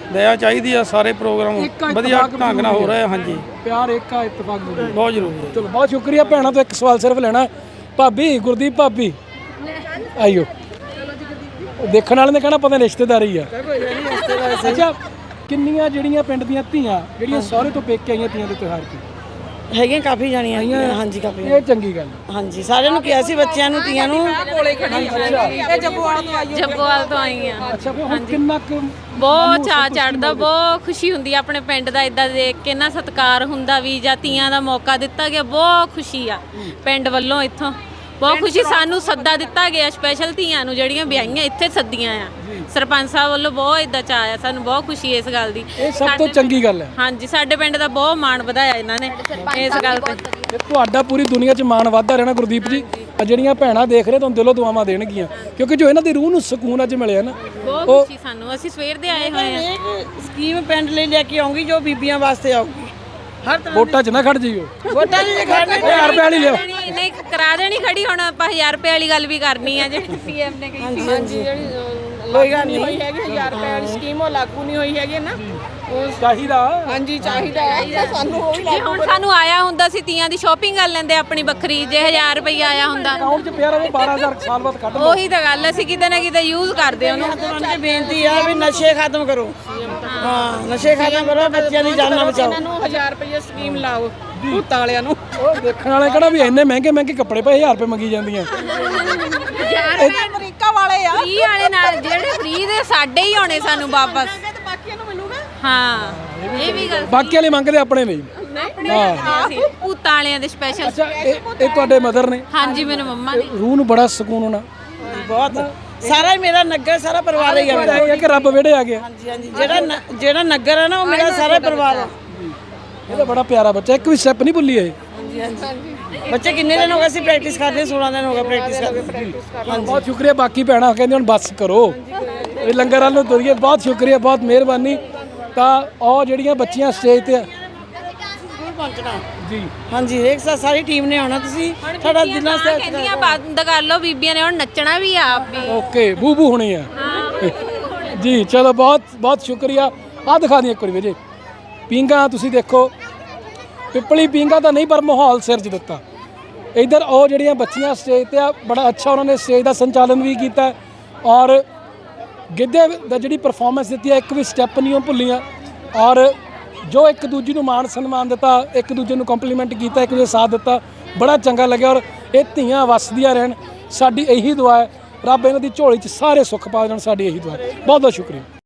Speaker 5: ਦਇਆ ਚਾਹੀਦੀ ਆ। ਸਾਰੇ ਪ੍ਰੋਗਰਾਮ
Speaker 1: ਏਕਾ
Speaker 5: ਵਧੀਆ
Speaker 1: ਇਤਫਾਕ
Speaker 5: ਢੰਗ ਨਾਲ ਹੋ ਰਹੇ ਆ। ਹਾਂਜੀ
Speaker 1: ਪਿਆਰ ਏਕਾ ਇਤਫਾਕ ਜ਼ਰੂਰੀ
Speaker 5: ਬਹੁਤ ਜ਼ਰੂਰੀ ਹੈ।
Speaker 1: ਚਲੋ ਬਹੁਤ ਸ਼ੁਕਰੀਆ ਭੈਣਾਂ ਤੋਂ ਇੱਕ ਸਵਾਲ ਸਿਰਫ ਲੈਣਾ। ਭਾਬੀ ਗੁਰਦੀਪ ਭਾਬੀ ਆਇਓ, ਦੇਖਣ ਵਾਲੇ ਨੇ ਕਹਿਣਾ ਪਤਾ ਨਹੀਂ ਰਿਸ਼ਤੇਦਾਰੀ ਆ। ਅੱਛਾ ਕਿੰਨੀਆਂ ਜਿਹੜੀਆਂ ਪਿੰਡ ਦੀਆਂ ਧੀਆਂ ਜਿਹੜੀਆਂ ਸਹੁਰੇ ਤੋਂ ਪੇਕੇ ਆਈਆਂ ਤੀਆਂ ਦੇ ਤਿਉਹਾਰ ਤੇ
Speaker 2: ਹੈਗੀਆਂ ਕਾਫੀ ਜਾਣੀਆਂ ਹਾਂਜੀ ਕਾਫੀ
Speaker 1: ਇਹ ਚੰਗੀ ਗੱਲ।
Speaker 2: ਹਾਂਜੀ ਸਾਰਿਆਂ ਨੂੰ ਕਿਹਾ ਸੀ ਬੱਚਿਆਂ ਨੂੰ ਤੀਆਂ ਨੂੰ
Speaker 3: ਇਹ ਜੱਬੋਵਾਲ ਤੋਂ ਆਈ ਜੱਬੋਵਾਲ ਤੋਂ ਆਈ ਆ।
Speaker 1: ਅੱਛਾ ਫਿਰ ਹੁਣ ਕਿੰਨਾ ਕੁ
Speaker 3: ਬਹੁਤ ਚਾਅ ਚੜਦਾ, ਬਹੁਤ ਖੁਸ਼ੀ ਹੁੰਦੀ ਆ ਆਪਣੇ ਪਿੰਡ ਦਾ ਇਦਾਂ ਦੇਖ ਕੇ ਨਾ, ਸਤਿਕਾਰ ਹੁੰਦਾ ਵੀ ਜਾਂ ਤੀਆਂ ਦਾ ਮੌਕਾ ਦਿੱਤਾ ਗਿਆ, ਬਹੁਤ ਖੁਸ਼ੀ ਆ ਪਿੰਡ ਵੱਲੋਂ। ਇੱਥੋਂ ਬਹੁਤ ਖੁਸ਼ੀ, ਸਾਨੂੰ ਸੱਦਾ ਦਿੱਤਾ ਗਿਆ ਸਪੈਸ਼ਲ ਧੀਆਂ ਨੂੰ ਜਿਹੜੀਆਂ ਵਿਆਹੀਆਂ ਇੱਥੇ ਸੱਦੀਆਂ ਆ ਸਰਪੰਚ ਸਾਹਿਬ ਵੱਲੋਂ। ਬਹੁਤ ਇਦਾਂ ਚਾਅ ਆ ਸਾਨੂੰ, ਬਹੁਤ ਖੁਸ਼ੀ ਇਸ ਗੱਲ ਦੀ।
Speaker 1: ਇਹ ਸਭ ਤੋਂ ਚੰਗੀ ਗੱਲ ਹੈ।
Speaker 3: ਹਾਂਜੀ ਸਾਡੇ ਪਿੰਡ ਦਾ ਬਹੁਤ ਮਾਣ ਵਧਾਇਆ ਇਹਨਾਂ ਨੇ ਇਸ ਗੱਲ ਤੇ।
Speaker 1: ਤੇ ਤੁਹਾਡਾ ਪੂਰੀ ਦੁਨੀਆ 'ਚ ਮਾਣ ਵੱਧਦਾ ਰਹਿਣਾ ਗੁਰਦੀਪ ਜੀ। ਆ ਜਿਹੜੀਆਂ ਭੈਣਾਂ ਦੇਖ ਰਹੇ ਤੁਹਾਨੂੰ ਦਿਲੋਂ ਦੁਆਵਾਂ ਦੇਣਗੀਆਂ, ਕਿਉਂਕਿ ਜੋ ਇਹਨਾਂ ਦੀ ਰੂਹ ਨੂੰ ਸਕੂਨ ਅੱਜ ਮਿਲਿਆ ਨਾ,
Speaker 3: ਬਹੁਤ ਖੁਸ਼ੀ ਸਾਨੂੰ। ਅਸੀਂ ਸਵੇਰ ਦੇ ਆਏ ਹੋਏ ਆ।
Speaker 2: ਇੱਕ ਸਕੀਮ ਪਿੰਡ ਲਈ ਲੈ ਕੇ ਆਉਂਗੀ ਜੋ ਬੀਬੀਆਂ ਵਾਸਤੇ ਆਊਗੀ। ਹਰ ਤਰ੍ਹਾਂ
Speaker 1: ਵੋਟਾਂ 'ਚ ਨਾ ਖੜ ਜਾਈਓ।
Speaker 2: ਵੋਟਾਂ ਦੀ ਖੜਨੀ
Speaker 1: ਹਜ਼ਾਰ ਰੁਪਏ ਵਾਲੀ ਲਿਓ।
Speaker 3: ਨਹੀਂ ਕਰਾ ਦੇਣੀ ਖੜੀ, ਹੁਣ ਆਪਾਂ ਹਜ਼ਾਰ ਰੁਪਏ ਵਾਲੀ ਗੱਲ ਵੀ ਕਰਨੀ ਆ ਜਿਹੜੀ ਸੀਐਮ ਨੇ ਕਹੀ ਸੀ।
Speaker 2: ਹਾਂਜੀ
Speaker 7: ਕੋਈ ਗੱਲ ਨਹੀਂ ਹੋਈ ਹੈਗੀ ਹਜ਼ਾਰ ਰੁਪਏ ਵਾਲੀ ਸਕੀਮ, ਉਹ ਲਾਗੂ ਨਹੀਂ ਹੋਈ ਹੈਗੀ ਨਾ।
Speaker 1: ਚਾਹੀਦਾ
Speaker 7: ਹਾਂਜੀ ਚਾਹੀਦਾ ਹੈ ਸਾਨੂੰ ਉਹ ਵੀ
Speaker 3: ਜੇ ਹੁਣ ਸਾਨੂੰ ਆਇਆ ਹੁੰਦਾ ਸੀ ਤੀਆਂ ਦੀ ਸ਼ਾਪਿੰਗ ਕਰ ਲੈਂਦੇ ਆਪਣੀ ਵੱਖਰੀ, ਜੇ ਹਜ਼ਾਰ ਰੁਪਏ ਆਇਆ ਹੁੰਦਾ
Speaker 1: ਅਕਾਊਂਟ 'ਚ ਪਿਆ ਰਹੇ ਬਾਰਾਂ ਹਜ਼ਾਰ ਸਾਲ ਬਾਅਦ ਕੱਢ ਲਓ।
Speaker 3: ਉਹੀ ਤਾਂ ਗੱਲ, ਅਸੀਂ ਕਿਤੇ ਨਾ ਕਿਤੇ ਯੂਜ਼ ਕਰਦੇ ਉਹਨੂੰ।
Speaker 2: ਤੁਹਾਨੂੰ ਬੇਨਤੀ ਆ ਵੀ ਨਸ਼ੇ ਖਤਮ ਕਰੋ। ਹਾਂ ਨਸ਼ੇ ਖਤਮ ਕਰੋ, ਬੱਚਿਆਂ ਦੀ ਜਾਨਾਂ ਬਚਾਓ।
Speaker 7: ਇਹਨਾਂ ਨੂੰ ਹਜ਼ਾਰ ਰੁਪਏ ਸਕੀਮ ਲਾਓ ਭੂਤਾਂ ਵਾਲਿਆਂ ਨੂੰ।
Speaker 1: ਉਹ ਦੇਖਣ ਵਾਲੇ ਕਿਹੜਾ ਵੀ ਇੰਨੇ ਮਹਿੰਗੇ ਮਹਿੰਗੇ ਕੱਪੜੇ ਪਏ ਹਜ਼ਾਰ ਰੁਪਏ ਮੰਗੀ ਜਾਂਦੀਆਂ।
Speaker 7: ਅਮਰੀਕਾ ਵਾਲੇ ਆ
Speaker 3: ਫ੍ਰੀ ਵਾਲੇ ਨਾਲ ਜਿਹੜੇ ਫ੍ਰੀ ਦੇ ਸਾਡੇ ਹੀ ਆਉਣੇ ਸਾਨੂੰ ਵਾਪਸ।
Speaker 7: ਬਾਕੀਆਂ ਨੂੰ ਮਿਲੂਗਾ।
Speaker 3: ਹਾਂ ਇਹ ਵੀ ਗੱਲ
Speaker 1: ਬਾਕੀ ਵਾਲੇ ਮੰਗਦੇ ਆਪਣੇ ਲਈ।
Speaker 3: ਹਾਂ ਭੂਤਾਂ ਵਾਲਿਆਂ ਦੇ ਸਪੈਸ਼ਲ।
Speaker 1: ਅੱਛਾ ਇਹ ਇਹ ਤੁਹਾਡੇ ਮਦਰ ਨੇ?
Speaker 3: ਹਾਂਜੀ ਮੈਨੂੰ ਮੰਮਾ ਨੇ।
Speaker 1: ਰੂਹ ਨੂੰ ਬੜਾ ਸਕੂਨ ਹੋਣਾ।
Speaker 2: ਬਹੁਤ ਸਾਰਾ ਹੀ ਮੇਰਾ ਨਗਰ ਸਾਰਾ ਪਰਿਵਾਰ ਹੀ ਆ ਮੇਰਾ।
Speaker 1: ਇਹ ਕਿ ਰੱਬ ਵਿਹੜੇ ਆ ਗਿਆ।
Speaker 2: ਹਾਂਜੀ ਹਾਂਜੀ ਜਿਹੜਾ ਨ- ਜਿਹੜਾ ਨਗਰ ਹੈ ਨਾ ਉਹ ਮੇਰਾ ਸਾਰਾ ਪਰਿਵਾਰ ਆ।
Speaker 1: ਇਹ ਤਾਂ ਬੜਾ ਪਿਆਰਾ ਬੱਚਾ, ਇੱਕ ਵੀ ਸਟੈਪ ਨਹੀਂ ਭੁੱਲੀ ਇਹ।
Speaker 2: ਹਾਂਜੀ ਹਾਂਜੀ ਬੱਚੇ ਕਿੰਨੇ ਦਿਨ ਹੋ ਗਏ ਸੀ ਪ੍ਰੈਕਟਿਸ ਕਰਦੇ? ਸੋਲਾਂ ਦਿਨ ਹੋ ਗਏ ਪ੍ਰੈਕਟਿਸ ਕਰਦੇ।
Speaker 1: ਬਹੁਤ ਸ਼ੁਕਰੀਆ। ਬਾਕੀ ਭੈਣਾਂ ਕਹਿੰਦੇ ਹੁਣ ਬੱਸ ਕਰੋ, ਇਹ ਲੰਗਰ ਵੱਲ ਨੂੰ ਤੁਰੀਏ। ਬਹੁਤ ਸ਼ੁਕਰੀਆ, ਬਹੁਤ ਮਿਹਰਬਾਨੀ। ਤਾਂ ਉਹ ਜਿਹੜੀਆਂ ਬੱਚੀਆਂ ਸਟੇਜ ਤੇ
Speaker 2: ਪਹੁੰਚਣਾ
Speaker 1: ਜੀ।
Speaker 2: ਹਾਂਜੀ ਹਰੇਕ ਸਾ ਸਾਰੀ ਟੀਮ ਨੇ ਆਉਣਾ। ਤੁਸੀਂ ਸਾਡਾ ਦਿਲਾਂ ਸੇ
Speaker 3: ਕਹਿੰਦੀਆਂ ਬੰਦ ਕਰ ਲਓ, ਬੀਬੀਆਂ ਨੇ ਹੁਣ ਨੱਚਣਾ ਵੀ ਆ ਆਪ ਵੀ।
Speaker 1: ਓਕੇ ਬੂ ਬੂ ਹੋਣੀ ਆ ਜੀ। ਚਲੋ ਬਹੁਤ ਬਹੁਤ ਸ਼ੁਕਰੀਆ। ਆ ਦਿਖਾ ਦਿਓ ਇੱਕ ਵਾਰੀ ਵੀਰੇ ਪੀਂਘਾਂ ਤੁਸੀਂ ਦੇਖੋ। ਪਿੱਪਲੀ ਪੀਂਘਾਂ ਤਾਂ ਨਹੀਂ ਪਰ ਮਾਹੌਲ ਸਿਰਜ ਦਿੱਤਾ। ਇਧਰ ਉਹ ਜਿਹੜੀਆਂ ਬੱਚੀਆਂ ਸਟੇਜ ਤੇ ਆ, ਬੜਾ ਅੱਛਾ ਉਹਨਾਂ ਨੇ ਸਟੇਜ ਦਾ ਸੰਚਾਲਨ ਵੀ ਕੀਤਾ ਔਰ ਗਿੱਧੇ ਦਾ ਜਿਹੜੀ ਪਰਫਾਰਮੈਂਸ ਦਿੱਤੀ ਹੈ, ਇੱਕ ਵੀ ਸਟੈਪ ਨਹੀਂ ਉਹ ਭੁੱਲੀਆਂ। ਔਰ ਜੋ ਇੱਕ ਦੂਜੀ ਨੂੰ ਮਾਣ ਸਨਮਾਨ ਦਿੱਤਾ, ਇੱਕ ਦੂਜੇ ਨੂੰ ਕੰਪਲੀਮੈਂਟ ਕੀਤਾ, ਇੱਕ ਦੂਜੇ ਸਾਥ ਦਿੱਤਾ, ਬੜਾ ਚੰਗਾ ਲੱਗਿਆ। ਔਰ ਇਹ ਧੀਆਂ ਵਸਦੀਆਂ ਰਹਿਣ, ਸਾਡੀ ਇਹੀ ਦੁਆ ਹੈ। ਰੱਬ ਇਹਨਾਂ ਦੀ ਝੋਲੀ 'ਚ ਸਾਰੇ ਸੁੱਖ ਪਾ ਦੇਣ, ਸਾਡੀ ਇਹੀ ਦੁਆ ਹੈ। ਬਹੁਤ ਬਹੁਤ ਸ਼ੁਕਰੀਆ।